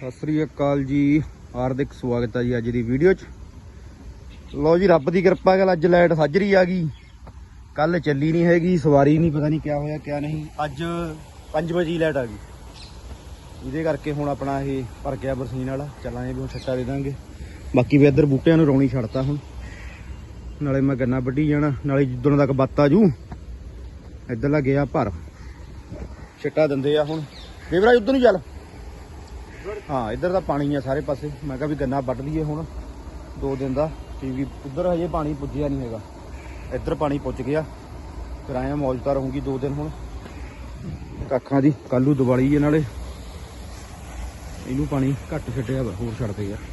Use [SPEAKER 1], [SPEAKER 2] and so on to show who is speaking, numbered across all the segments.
[SPEAKER 1] ਸਤਿ ਸ੍ਰੀ ਅਕਾਲ ਜੀ, ਹਾਰਦਿਕ ਸਵਾਗਤ ਹੈ ਜੀ ਅੱਜ ਦੀ ਵੀਡੀਓ 'ਚ। ਲਓ ਜੀ, ਰੱਬ ਦੀ ਕਿਰਪਾ ਨਾਲ ਅੱਜ ਲਾਈਟ ਸਾਜਰੀ ਆ ਗਈ। ਕੱਲ ਚੱਲੀ ਨਹੀਂ ਹੈਗੀ, ਸਵਾਰੀ ਨਹੀਂ, ਪਤਾ ਨਹੀਂ ਕਿਆ ਹੋਇਆ ਕਿਆ ਨਹੀਂ। ਅੱਜ 5 ਵਜੇ ਲਾਈਟ ਆ ਗਈ, ਇਹਦੇ ਕਰਕੇ ਹੁਣ ਆਪਣਾ ਇਹ ਭਰ ਗਿਆ ਬਰਸੀਨ ਵਾਲਾ। ਚੱਲਾਂਗੇ ਵੀ ਹੁਣ ਛੱਟਾ ਦੇ ਦਾਂਗੇ। ਬਾਕੀ ਵੀ ਇੱਧਰ ਬੂਟਿਆਂ ਨੂੰ ਰੌਣੀ ਛੱਡਤਾ ਹੁਣ, ਨਾਲੇ ਮੈਂ ਗੰਨਾ ਵੱਢੀ ਜਾਣਾ, ਨਾਲੇ ਜਿੱਦਣ ਤੱਕ ਬੱਤ ਆ ਜੂ ਇੱਧਰਲਾ ਗਿਆ ਭਰ ਛੱਟਾ ਦਿੰਦੇ ਆ। ਹੁਣ ਦੇਵਰਾਜ ਉੱਧਰ ਨੂੰ ਚੱਲ। ਹਾਂ, ਇੱਧਰ ਤਾਂ ਪਾਣੀ ਆ ਸਾਰੇ ਪਾਸੇ। ਮੈਂ ਕਿਹਾ ਵੀ ਗੰਨਾ ਵੱਢ ਲਈਏ ਹੁਣ 2 ਦਿਨ ਦਾ, ਕਿਉਂਕਿ ਉੱਧਰ ਹਜੇ ਪਾਣੀ ਪੁੱਜਿਆ ਨਹੀਂ ਹੈਗਾ। ਇੱਧਰ ਪਾਣੀ ਪੁੱਜ ਗਿਆ, ਫਿਰ ਆਇਆ ਮੌਜਤਾ ਰਹੂੰਗੀ 2 ਦਿਨ ਹੁਣ ਕੱਖਾਂ ਦੀ। ਕੱਲ੍ਹ ਨੂੰ ਦੀਵਾਲੀ ਹੈ, ਨਾਲੇ ਇਹਨੂੰ ਪਾਣੀ ਘੱਟ ਛੱਡਿਆ ਵਾ, ਹੋਰ ਛੱਡਦੇ ਯਾਰ।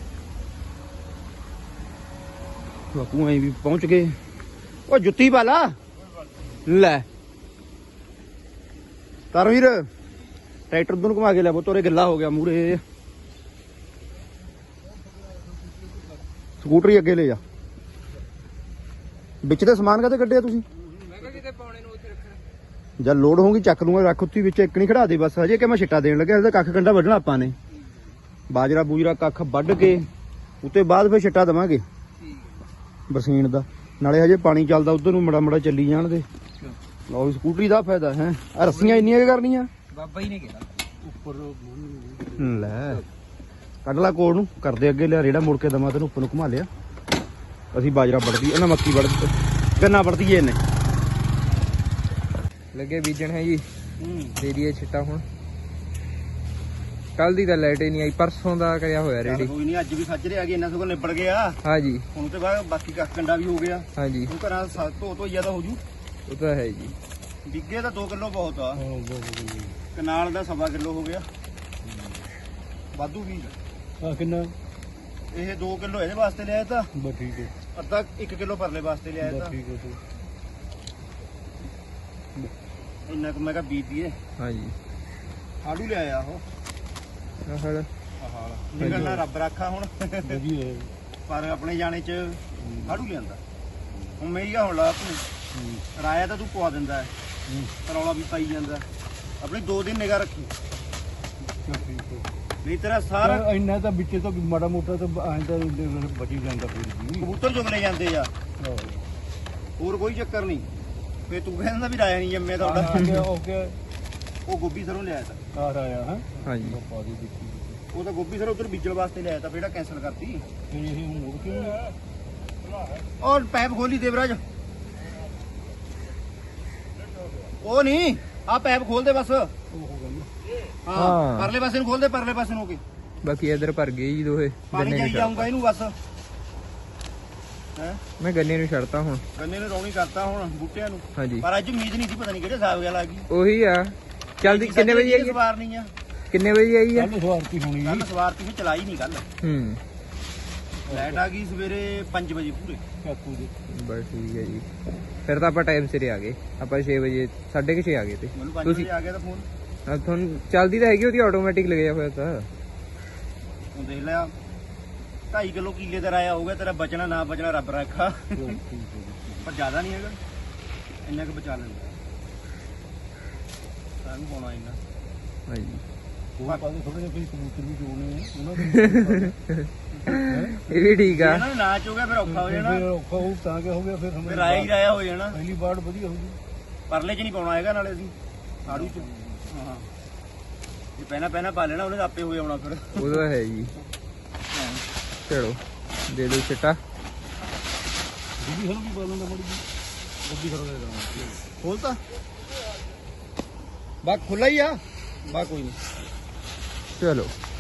[SPEAKER 1] ਬਾਪੂ ਐਂ ਵੀ ਪਹੁੰਚ ਗਏ। ਉਹ ਜੁੱਤੀ ਪਾ ਲਾ ਲੈ ਤਰਵੀਰ, ਟਰੈਕਟਰ ਉਧਰ ਨੂੰ ਘੁਮਾ ਕੇ ਲੈ ਬੋ, ਤੋਰੇ ਗਿੱਲਾ ਹੋ ਗਿਆ ਮੂਰੇ। ਸਕੂਟਰੀ ਅੱਗੇ ਲੈ ਜਾ। ਵਿੱਚ ਤੇ ਸਮਾਨ ਕਾਹਤੇ ਕੱਢਿਆ ਤੁਸੀਂ?
[SPEAKER 2] ਮੈਂ ਕਿਹਾ ਕਿਤੇ ਪਾਉਣੇ ਨੂੰ ਉੱਥੇ ਰੱਖਣਾ।
[SPEAKER 1] ਜਦ ਲੋਡ ਹੋਊਗੀ ਚੱਕ ਲੂੰਗਾ, ਰੱਖ ਉੱਥੇ ਵਿੱਚ। ਇੱਕ ਨਹੀਂ ਖੜਾ ਦੇ ਬਸ, ਹਜੇ ਕਿ ਮੈਂ ਛਿੱਟਾ ਦੇਣ ਲੱਗਿਆ। ਇਹਦਾ ਕੱਖ ਕੰਡਾ ਵੱਢਣਾ ਆਪਾਂ ਨੇ, ਬਾਜਰਾ ਬੂਜਰਾ ਕੱਖ ਵੱਢ ਕੇ ਉੱਤੇ ਬਾਅਦ ਫਿਰ ਛਿੱਟਾ ਦੇਵਾਂਗੇ ਬਰਸੀਨ ਦਾ। ਨਾਲੇ ਹਜੇ ਪਾਣੀ ਚੱਲਦਾ, ਉਧਰ ਨੂੰ ਮੜਾ ਮੜਾ ਚੱਲੀ ਜਾਣ ਦੇ। ਲਓ, ਸਕੂਟਰੀ ਦਾ ਫਾਇਦਾ ਹੈ। ਆ ਰੱਸੀਆਂ ਇੰਨੀਆਂ ਕਿ ਕਰਨੀਆਂ?
[SPEAKER 2] ਬਾਬਾ ਹੀ ਨੇ ਕਿਹਾ ਉੱਪਰ
[SPEAKER 1] ਲੈ ਕੱਢ ਲਾ ਕੋਲ ਨੂੰ, ਕਰਦੇ ਅੱਗੇ ਲਿਆ ਰੇੜਾ ਮੋੜ ਕੇ ਦਮਾ ਤੈਨੂੰ ਉੱਪਰ ਨੂੰ ਘੁਮਾ ਲਿਆ। ਅਸੀਂ ਬਾਜਰਾ ਵੱਢਦੀ, ਇਹਨਾਂ ਮੱਕੀ ਵੱਢ ਗੰਨਾ ਵੱਢਦੀ ਏ। ਇਹਨੇ
[SPEAKER 2] ਲੱਗੇ ਬੀਜਣ ਹੈ ਜੀ, ਦੇ ਦਈਏ ਛਿੱਟਾ ਹੁਣ। ਕੱਲ ਦੀ ਤਾਂ ਲਾਈਟ ਹੀ ਨਹੀਂ ਆਈ, ਪਰਸੋਂ ਦਾ ਕਰਿਆ ਹੋਇਆ ਰੈਡੀ।
[SPEAKER 1] ਕੋਈ ਨਹੀਂ, ਅੱਜ ਵੀ ਸੱਜਰੇ ਆ ਗਏ, ਇਹਨਾਂ ਸਗੋਂ ਨਿਬੜ ਗਿਆ।
[SPEAKER 2] ਹਾਂਜੀ,
[SPEAKER 1] ਹੁਣ ਤੇ ਬਾਅਦ ਬਾਕੀ ਕੱਖ ਕੰਡਾ ਵੀ ਹੋ ਗਿਆ।
[SPEAKER 2] ਹਾਂਜੀ,
[SPEAKER 1] ਹੁਣ ਘਰਾਂ ਧੋ ਜ਼ਿਆਦਾ ਹੋ ਜੂ।
[SPEAKER 2] ਉਹ ਤਾਂ ਹੈ ਜੀ।
[SPEAKER 1] ਡਿੱਗੇ ਤਾਂ 2 ਕਿਲੋ ਬਹੁਤ ਆ, ਕਨਾਲ ਦਾ 1.25 ਕਿਲੋ ਹੋ ਗਿਆ। ਵਾਧੂ ਵੀ
[SPEAKER 3] ਆ ਕਿੰਨਾ?
[SPEAKER 1] ਇਹ 2 ਕਿਲੋ ਇਹਦੇ ਵਾਸਤੇ ਲਿਆਇਆ ਤਾਂ,
[SPEAKER 3] ਬਸ ਠੀਕ ਹੈ,
[SPEAKER 1] ਅੱਧਾ 1 ਕਿਲੋ ਪਰਲੇ ਵਾਸਤੇ ਲਿਆਇਆ
[SPEAKER 3] ਬਸ
[SPEAKER 1] ਤਾਂ।
[SPEAKER 3] ਠੀਕ ਹੈ।
[SPEAKER 1] ਇੰਨਾ ਕੁ ਮੈਂ ਕਿਹਾ ਬੀਬੀਏ
[SPEAKER 2] ਹਾਂਜੀ,
[SPEAKER 1] ਆੜੂ ਲਿਆਇਆ ਉਹ
[SPEAKER 2] ਆਹ ਹਲ
[SPEAKER 1] ਆਹ ਨਿਕਲਣਾ ਰੱਬ ਰਾਖਾ ਹੁਣ।
[SPEAKER 3] ਵਧੀਆ ਹੈ।
[SPEAKER 1] ਪਰ ਆਪਣੇ ਜਾਣੇ ਚ ਆੜੂ ਲਿਆਂਦਾ। ਹੁਣ ਮੈਂ ਹੀ ਹੁਣ ਲਾ ਤੂੰ ਰਾਇਆ ਤਾਂ ਤੂੰ ਪਵਾ ਦਿੰਦਾ ਹੈ, ਰੌਲਾ ਵੀ ਪਾਈ ਜਾਂਦਾ। ਆਪਣੀ 2 ਦਿਨ ਨਿਗਾਹ ਰੱਖੀ,
[SPEAKER 3] ਠੀਕ ਹੈ।
[SPEAKER 1] ਨਹੀਂ ਤੇਰਾ ਸਾਰਾ
[SPEAKER 3] ਪਰ ਇੰਨਾ ਤਾਂ ਵਿੱਚੇ ਤੋਂ ਮਾੜਾ ਮੋਟਾ ਤਾਂ ਐਂ ਤਾਂ ਬਚੀ ਜਾਂਦਾ ਫਿਰ ਵੀ।
[SPEAKER 1] ਕਬੂਤਰ ਚੁਗਲੇ ਜਾਂਦੇ ਆ,
[SPEAKER 3] ਆਹੋ।
[SPEAKER 1] ਹੋਰ ਕੋਈ ਚੱਕਰ ਨਹੀਂ। ਫੇ ਤੂੰ ਕਹਿੰਦਾ ਵੀ ਰਾਇਆ ਨਹੀਂ ਜੰਮਿਆ
[SPEAKER 3] ਹਾਂ,
[SPEAKER 1] ਤੁਹਾਡਾ।
[SPEAKER 3] ਓਕੇ।
[SPEAKER 1] ਉਹ ਗੋਭੀ ਸਰੋਂ ਲਿਆਇਆ ਤਾਂ,
[SPEAKER 3] ਆ ਰਾਇਆ ਹਾਂ।
[SPEAKER 2] ਹਾਂਜੀ,
[SPEAKER 3] ਪਾ ਦੀ ਦਿੱਤੀ
[SPEAKER 1] ਉਹ ਤਾਂ ਗੋਭੀ ਸਰੋਂ ਉਧਰ ਬੀਜਣ ਵਾਸਤੇ ਲਿਆਇਆ ਤਾਂ, ਜਿਹੜਾ ਕੈਂਸਲ ਕਰਤੀ।
[SPEAKER 3] ਫਿਰ ਇਹ ਹੁਣ ਮੁੜ ਕੇ
[SPEAKER 1] ਔਰ ਪੈਪ ਖੋਲੀ ਦੇਵਰਾਜ, ਉਹ ਨਹੀਂ, ਆ ਪੈਪ ਖੋਲ ਦੇ ਬਸ।
[SPEAKER 3] ਉਹ ਹੋ ਗਿਆ।
[SPEAKER 1] ਹਾਂ, ਪਰਲੇ ਪਾਸੇ ਨੂੰ ਖੋਲ ਦੇ, ਪਰਲੇ ਪਾਸੇ ਨੂੰ ਹੋ ਕੇ
[SPEAKER 2] ਬਾਕੀ ਇੱਧਰ ਭਰ ਗਏ ਜੀ ਦੋਹੇ
[SPEAKER 1] ਪਾਣੀ
[SPEAKER 2] ਗੰਨੇ
[SPEAKER 1] ਜਾਈ
[SPEAKER 2] ਨੂੰ।
[SPEAKER 1] ਜਾਊਗਾ ਇਹਨੂੰ ਬਸ। ਹੈ
[SPEAKER 2] ਮੈਂ ਗੰਨੇ ਨੂੰ ਛੱਡਤਾ ਹੁਣ।
[SPEAKER 1] ਗੰਨੇ ਨੂੰ ਰੌਣੀ ਕਰਤਾ ਹੁਣ ਬੂਟਿਆਂ ਨੂੰ।
[SPEAKER 2] ਹਾਂਜੀ,
[SPEAKER 1] ਪਰ ਅੱਜ ਉਮੀਦ ਨਹੀਂ ਸੀ, ਪਤਾ ਨਹੀਂ ਕਿਹੜੇ ਹਿਸਾਬ ਗੱਲ ਆ ਗਈ।
[SPEAKER 2] ਉਹੀ ਆ। ਚੱਲਦੀ ਕਿੰਨੇ ਵਜੇ ਆਈ ਹੈ?
[SPEAKER 1] ਸਵਾਰ ਨਹੀਂ ਆ,
[SPEAKER 2] ਕਿੰਨੇ ਵਜੇ ਆਈ ਹੈ?
[SPEAKER 3] ਕੱਲ ਸਵਾਰਤੀ ਹੋਣੀ
[SPEAKER 1] ਕੱਲ ਸਵਾਰਤੀ ਸੀ, ਚਲਾਈ ਨਹੀਂ ਕੱਲ।
[SPEAKER 2] ਹੂੰ,
[SPEAKER 1] ਲਾਈਟ ਆ ਗਈ ਸਵੇਰੇ 5 ਵਜੇ ਪੂਰੇ।
[SPEAKER 3] ਚਾਕੂ ਦੇ।
[SPEAKER 2] ਬਸ ਠੀਕ ਹੈ ਜੀ। ਫਿਰ ਤਾਂ ਆਪਾਂ ਟਾਈਮ ਸਿਰ ਆ ਗਏ। ਆਪਾਂ 6 ਵਜੇ 6:30 ਆ ਗਏ ਤੇ
[SPEAKER 1] ਮੈਨੂੰ 5
[SPEAKER 2] ਤੁਸੀਂ
[SPEAKER 1] ਵਜੇ ਆ ਗਿਆ ਤਾਂ ਫੋਨ।
[SPEAKER 2] ਤੁਹਾਨੂੰ ਚੱਲਦੀ ਤਾਂ ਹੈਗੀ, ਉਹਦੀ ਆਟੋਮੈਟਿਕ ਲੱਗਿਆ ਹੋਇਆ ਤਾਂ।
[SPEAKER 1] ਹੁਣ ਦੇਖ ਲਿਆ 2.5 ਕਿਲੋ ਕੀਲੇ ਦਾ ਰਾਇਆ ਹੋਊਗਾ ਤੇਰਾ। ਬਚਣਾ ਨਾ ਬਚਣਾ ਰੱਬ ਰੱਖਾ, ਪਰ ਜ਼ਿਆਦਾ ਨਹੀਂ ਹੈਗਾ, ਇੰਨਾ ਕੁ ਬਚਾ ਲੈਂਦਾ। ਸਾਨੂੰ ਪਾਉਣਾ ਇੰਨਾ।
[SPEAKER 2] ਹਾਂਜੀ,
[SPEAKER 3] ਉਹ ਪਾਦੇ ਥੋੜੇ ਜਿਹੇ ਕਬੂਤਰ ਵੀ ਜੋੜਨੇ ਆ ਉਹਨਾਂ
[SPEAKER 2] ਇਹ ਵੀ ਠੀਕ ਆ।
[SPEAKER 1] ਇਹਨਾਂ ਨੂੰ ਨਾਚ ਹੋ ਗਿਆ ਫਿਰ ਔਖਾ ਹੋ ਜਾਣਾ,
[SPEAKER 3] ਫਿਰ ਔਖਾ ਹੋ ਤਾਂ ਕਿ ਹੋ ਗਿਆ ਫਿਰ
[SPEAKER 1] ਫਿਰ ਰਾਇਆ ਹੀ ਰਾਇਆ ਹੋ ਜਾਣਾ।
[SPEAKER 3] ਪਹਿਲੀ ਬਾੜ ਵਧੀਆ ਹੋ ਗਈ।
[SPEAKER 1] ਪਰਲੇ 'ਚ ਨਹੀਂ ਪਾਉਣਾ ਹੈਗਾ ਨਾਲੇ ਅਸੀਂ ਆੜੂ 'ਚ। ਹਾਂ, ਜੇ ਪਹਿਲਾਂ ਪਾ ਲੈਣਾ ਉਹਨੇ ਤਾਂ ਆਪੇ ਹੋ ਜਾਣਾ ਫਿਰ।
[SPEAKER 2] ਉਹਦਾ ਹੈ ਜੀ। ਚਲੋ ਦੇ ਦਿਓ ਛਿੱਟਾ।
[SPEAKER 3] ਦੂਜੀ ਹਲ ਵੀ ਪਾ ਲੈਂਦਾ ਮੜੀ ਜੀ। ਗੱਡੀ ਖੜਾ ਦੇ ਦਾਂ
[SPEAKER 1] ਖੋਲਤਾ ਬਾ, ਖੁੱਲਾ ਹੀ ਆ ਬਾ, ਕੋਈ ਨਹੀਂ।
[SPEAKER 2] ਚਲੋ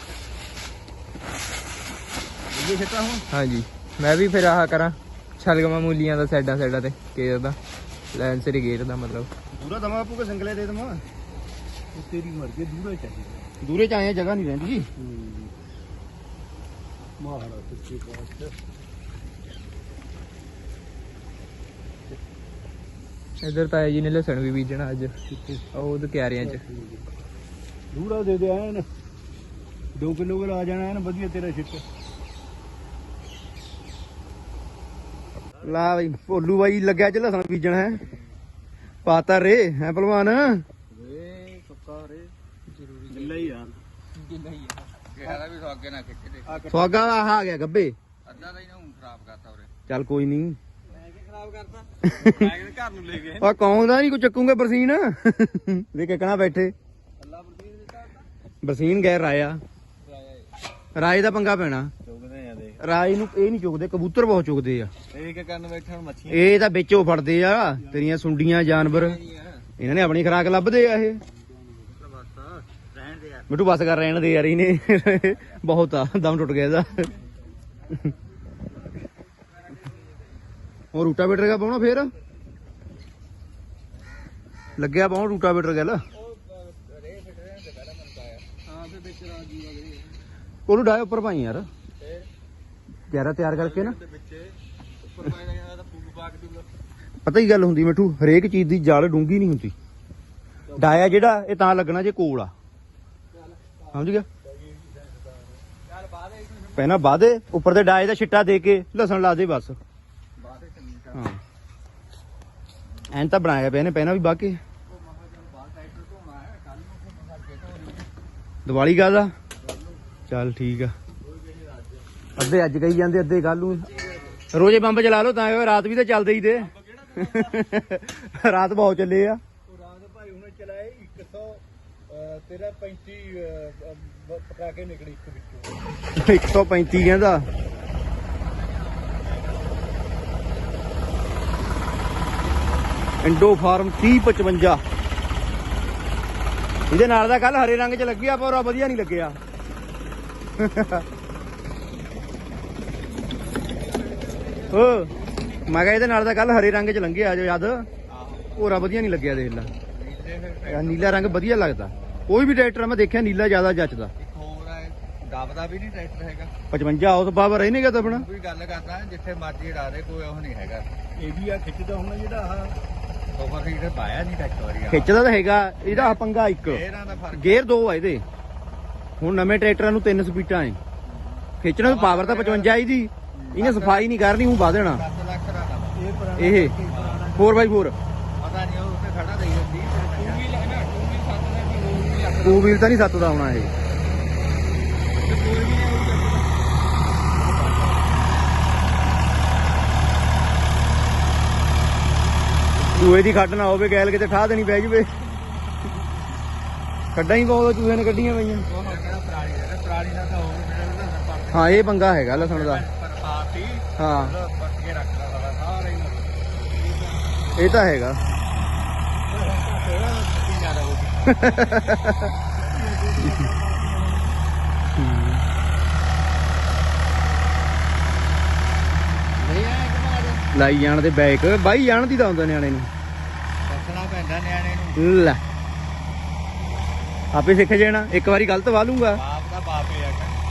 [SPEAKER 1] ਇਹ ਛੱਟਾ ਹੁਣ।
[SPEAKER 2] ਹਾਂਜੀ, ਮੈਂ ਵੀ ਫਿਰ ਆਹ ਕਰਾਂ ਛਲਗਮਾ ਮੂਲੀਆਂ ਦਾ ਸਾਈਡਾਂ ਤੇ ਕੇਰ ਦਾ ਲਾਈਨ ਸਿਰ ਗੇਟ ਦਾ, ਮਤਲਬ
[SPEAKER 1] ਦੂਰਾ ਦਮਾ ਆਪੂ ਕੇ ਸਿੰਗਲੇ ਦੇ ਦਮਾ।
[SPEAKER 3] ਉਹ ਤੇਰੀ ਮਰਜ਼ੀ, ਦੂਰਾ ਚਾਹੀਦਾ।
[SPEAKER 1] ਦੂਰੇ 'ਚ ਆਏ ਜਗ੍ਹਾ ਨਹੀਂ ਰਹਿੰਦੀ।
[SPEAKER 3] ਮਾਹੜਾ ਸੱਚੇ ਪਾਤਸ਼ਾਹ।
[SPEAKER 2] ਇੱਧਰ ਤਾਂ ਜੀ ਨੇ ਲਸਣ ਵੀ ਬੀਜਣਾ ਅੱਜ, ਉਹ ਤੇ ਕਿਆਰਿਆਂ 'ਚ।
[SPEAKER 3] ਦੂਰਾ ਦੇ ਦੇ ਐਨ 2 ਕਿਲੋ ਆ ਜਾਣਾ ਐਨ ਵਧੀਆ ਤੇਰਾ ਛਿੱਟ।
[SPEAKER 1] ਲਾ ਬਈ ਭੋਲੂ ਬਾਈ ਲੱਗਿਆ ਚ ਲਸਣ ਬੀਜਣ ਹੈ। ਪਾਤਾ ਰੇ ਹੈ ਭਲਵਾਨ।
[SPEAKER 3] ਰੇ ਪੱਕਾ ਰੇ ਜ਼ਰੂਰੀ
[SPEAKER 1] ਗਿੱਲਾ ਹੀ ਆ।
[SPEAKER 2] ਗਿੱਲਾ ਹੀ ਆ। ਕਿਹਾ ਵੀ ਅੱਗੇ ਨਾ ਖਿੱਚਦੇ
[SPEAKER 1] ਸੁਹਾਗਾ ਆਹ ਆ ਗਿਆ ਗੱਬੇ
[SPEAKER 2] ਅੱਧਾ ਤਾਂ ਇਹਨਾਂ ਨੂੰ ਖਰਾਬ ਕਰਤਾ ਉਰੇ
[SPEAKER 1] ਚੱਲ ਕੋਈ ਨਹੀਂ
[SPEAKER 2] ਮੈਂ ਕੀ ਖਰਾਬ ਕਰਤਾ ਮੈਂ ਕਿਹਾ ਘਰ ਨੂੰ ਲੈ ਗਏ
[SPEAKER 1] ਆ ਕੌਂਦਾ ਨਹੀਂ ਕੋ ਚੱਕੂਗੇ ਬਰਸੀਨ ਦੇ ਕਿਕਣਾ ਬੈਠੇ
[SPEAKER 2] ਅੱਲਾ ਬਰਸੀਨ ਦਿੱਤਾ
[SPEAKER 1] ਬਰਸੀਨ ਗਏ ਰਾਇਆ ਰਾਏ ਦਾ ਪੰਗਾ ਪੈਣਾ
[SPEAKER 2] ਚੁਗਦੇ ਆ ਦੇਖ
[SPEAKER 1] ਰਾਏ ਨੂੰ ਇਹ ਨਹੀਂ ਚੁਗਦੇ ਕਬੂਤਰ ਬਹੁਤ ਚੁਗਦੇ ਆ
[SPEAKER 2] ਇਹ ਕੀ ਕਰਨ ਬੈਠਣ ਮੱਛੀਆਂ
[SPEAKER 1] ਇਹ ਤਾਂ ਵਿੱਚੋਂ ਫੜਦੇ ਆ ਤੇਰੀਆਂ ਸੁੰਡੀਆਂ ਜਾਨਵਰ ਇਹਨਾਂ ਨੇ ਆਪਣੀ ਖੁਰਾਕ ਲੱਭਦੇ ਆ ਇਹ
[SPEAKER 2] ਰਹਿਣ ਦੇ ਯਾਰ
[SPEAKER 1] ਮਿੱਟੂ ਬਸ ਕਰ ਰਹਿਣ ਦੇ ਯਾਰ ਇਹਨੇ ਬਹੁਤ ਆ ਦਮ ਟੁੱਟ ਗਿਆ ਇਹਦਾ ਉਹ ਰੂਟਾਵੇਟਰ ਕਾ ਪਾਉਣਾ ਫੇਰ ਲੱਗਿਆ ਪਾਉਣ ਰੂਟਾਵੇਟਰ ਗੱਲ
[SPEAKER 2] ਹਾਂ ਫਿਰ ਵਿੱਚ ਰਾਜੀ ਵਗਰੇ
[SPEAKER 1] ਉਹਨੂੰ ਡਾਏ ਉੱਪਰ ਪਾਈ ਯਾਰ ਗਿਆਰਾ ਤਿਆਰ ਕਰਕੇ ਨਾ
[SPEAKER 2] ਵਿੱਚ ਉੱਪਰ ਪਾਇਆ ਜਾਂਦਾ ਤਾਂ ਫੂਕ ਪਾ ਕੇ ਦੂਗਾ
[SPEAKER 1] ਪਤਾ ਹੀ ਗੱਲ ਹੁੰਦੀ ਮਿੱਠੂ ਹਰੇਕ ਚੀਜ਼ ਦੀ ਜਲ ਡੂੰਗੀ ਨਹੀਂ ਹੁੰਦੀ ਡਾਇਆ ਜਿਹੜਾ ਇਹ ਤਾਂ ਲੱਗਣਾ ਜੇ ਕੋਲ ਆ ਸਮਝ ਗਿਆ
[SPEAKER 2] ਚੱਲ ਬਾਅਦ ਵਿੱਚ
[SPEAKER 1] ਪਹਿਲਾਂ ਬਾਦੇ ਉੱਪਰ ਤੇ ਡਾਏ ਦਾ ਛਿੱਟਾ ਦੇ ਕੇ ਲਸਣ ਲਾ ਦੇ ਬਸ
[SPEAKER 2] ਬਾਅਦ ਵਿੱਚ ਚੰਗੀ
[SPEAKER 1] ਹਾਂ ਐਂ ਤਾਂ ਬਣਾਇਆ ਪਿਆ ਨੇ ਪਹਿਲਾਂ ਵੀ ਬਾਕੇ
[SPEAKER 2] ਉਹ ਮਹਾ ਜਨ ਬਾਹਰ ਟਰੈਕਟਰ ਧੋਣਾ ਹੈ ਕੱਲ ਨੂੰ ਘੁੰਮ ਕੇ ਧੋ
[SPEAKER 1] ਦੀਵਾਲੀ ਕਾਹਦਾ ਚੱਲ ਠੀਕ ਆ ਅੱਧੇ ਅੱਜ ਕਹੀ ਜਾਂਦੇ ਅੱਧੇ ਕੱਲ ਨੂੰ ਰੋਜੇ ਬੰਬ ਚਲਾ ਲਓ ਤਾਂ ਰਾਤ ਵੀ ਤਾਂ ਚੱਲਦੇ ਹੀ ਤੇ ਰਾਤ ਬਹੁਤ ਚੱਲੇ ਆ
[SPEAKER 3] ਉਹ ਰਾਤ ਭਾਈ ਉਹਨੇ ਚਲਾਏ 100 ਤੇਰਾ 35 ਪਟਾਕੇ ਨਿਕਲੇ ਇੱਕ ਵਿੱਚੋਂ
[SPEAKER 1] 135 ਕਹਿੰਦਾ ਇੰਡੋ ਫਾਰਮ 3055 ਇਹਦੇ ਨਾਲ ਦਾ ਕੱਲ ਹਰੇ ਰੰਗ ਚ ਲੱਗਿਆ ਪਰ ਉਹ ਵਧੀਆ ਨਹੀਂ ਲੱਗਿਆ ਓ ਮੈਂ ਕਿਹਾ ਇਹਦੇ ਨਾਲ ਦਾ ਕੱਲ ਹਰੇ ਰੰਗ ਚ ਲੰਘਿਆ ਜੋ ਯਾਦ ਹੋਰਾ ਵਧੀਆ ਨਹੀਂ ਲੱਗਿਆ ਦੇਖ ਲੈ ਯਾਰ ਨੀਲਾ ਰੰਗ ਵਧੀਆ ਲੱਗਦਾ ਕੋਈ ਵੀ ਟਰੈਕਟਰ ਮੈਂ ਦੇਖਿਆ ਨੀਲਾ ਜ਼ਿਆਦਾ ਜੱਚਦਾ
[SPEAKER 2] ਇੱਕ ਹੋਰ ਹੈ ਦਬਦਾ ਵੀ ਨਹੀਂ ਟਰੈਕਟਰ ਹੈਗਾ
[SPEAKER 1] 55 ਉਸ ਬਾਬਾ ਰਹਿਣੇਗਾ ਤਾਂ ਆਪਣਾ
[SPEAKER 2] ਕੋਈ ਗੱਲ ਕਰਦਾ ਜਿੱਥੇ ਮਰਜੀ ਡਾ ਦੇ ਕੋਈ ਉਹ ਨਹੀਂ ਹੈਗਾ
[SPEAKER 3] ਇਹ ਵੀ ਆ ਖਿੱਚਦਾ ਹੁਣ ਜਿਹੜਾ ਆਹ
[SPEAKER 2] ਸੋਫਾ ਸੀਟ ਪਾਇਆ ਨਹੀਂ ਟਰੈਕਟਰ ਵਾਲੀ
[SPEAKER 1] ਖਿੱਚਦਾ ਤਾਂ ਹੈਗਾ ਇਹਦਾ ਆਹ ਪੰਗਾ ਇੱਕ
[SPEAKER 2] ਇਹਨਾਂ ਦਾ ਫਰਕ
[SPEAKER 1] ਗੇਅਰ 2 ਆ ਇਹਦੇ ਹੁਣ ਨਵੇਂ ਟਰੈਕਟਰਾਂ ਨੂੰ 3 ਸਪੀਡਾਂ ਏ ਖਿੱਚਣ ਨੂੰ ਪਾਵਰ ਤਾਂ 55 ਇਹਦੀ ਇਹਨੇ ਸਫਾਈ ਨਹੀਂ ਕਰਨੀ ਉਹ ਵਧ ਦੇਣਾ
[SPEAKER 2] 10 ਲੱਖ ਦਾ ਕੰਮ।
[SPEAKER 3] ਇਹ ਪੁਰਾਣਾ
[SPEAKER 1] ਇਹ 4x4
[SPEAKER 2] ਪਤਾ ਨਹੀਂ ਉਹ ਉੱਥੇ ਖੜਾ ਰਹੀ ਹੁੰਦੀ ਟੂ ਵੀਲ ਹੈ ਨਾ ਟੂ ਵੀਲ 7 ਦਾ ਕੀ ਹੋਰ ਵੀ ਲੱਖ
[SPEAKER 1] 2 ਵੀਲ ਤਾਂ ਨਹੀਂ 7 ਦਾ ਆਉਣਾ ਇਹ
[SPEAKER 2] ਤੇ ਕੋਈ ਵੀ ਨਹੀਂ
[SPEAKER 1] ਚੂਹੇ ਦੀ ਖੱਡ ਨਾ ਹੋਵੇ ਗੈਲ ਕਿਤੇ ਠਾਹ ਦੇਣੀ ਪੈ ਜਵੇ ਖੱਡਾਂ ਹੀ ਬਹੁਤ ਚੂਹੇ ਨੇ ਕੱਢੀਆਂ ਪਈਆਂ
[SPEAKER 2] ਉਹ ਕਿਹੜਾ ਪ੍ਰਾਣੀ ਦਾ ਤਾਂ ਹੋਰ ਮੇਰਾ ਵੀ
[SPEAKER 1] ਹਾਂ ਇਹ ਪੰਗਾ ਹੈਗਾ ਲਸਣ ਦਾ
[SPEAKER 2] ਪਰ ਪਾਤੀ
[SPEAKER 1] ਹਾਂ
[SPEAKER 2] ਪੱਟ ਕੇ ਰੱਖਦਾ ਸਾਰਾ ਸਾਰੇ ਹੀ
[SPEAKER 1] ਇਹ ਤਾਂ ਹੈਗਾ ਲਾਈ ਜਾਣ ਦੇ ਬੈਕ ਬਾਈ ਜਾਣ ਦੀ ਤਾਂ ਹੁੰਦਾ ਨਿਆਣੇ ਨੂੰ
[SPEAKER 2] ਦੱਸਣਾ ਪੈਂਦਾ ਨਿਆਣੇ ਨੂੰ
[SPEAKER 1] ਲੈ ਆਪੇ ਸਿੱਖ ਜਾਣਾ ਇੱਕ ਵਾਰੀ ਗਲਤ ਵਾ ਲੂੰਗਾ
[SPEAKER 2] ਬਾਪ ਦਾ ਬਾਪ ਹੀ ਆ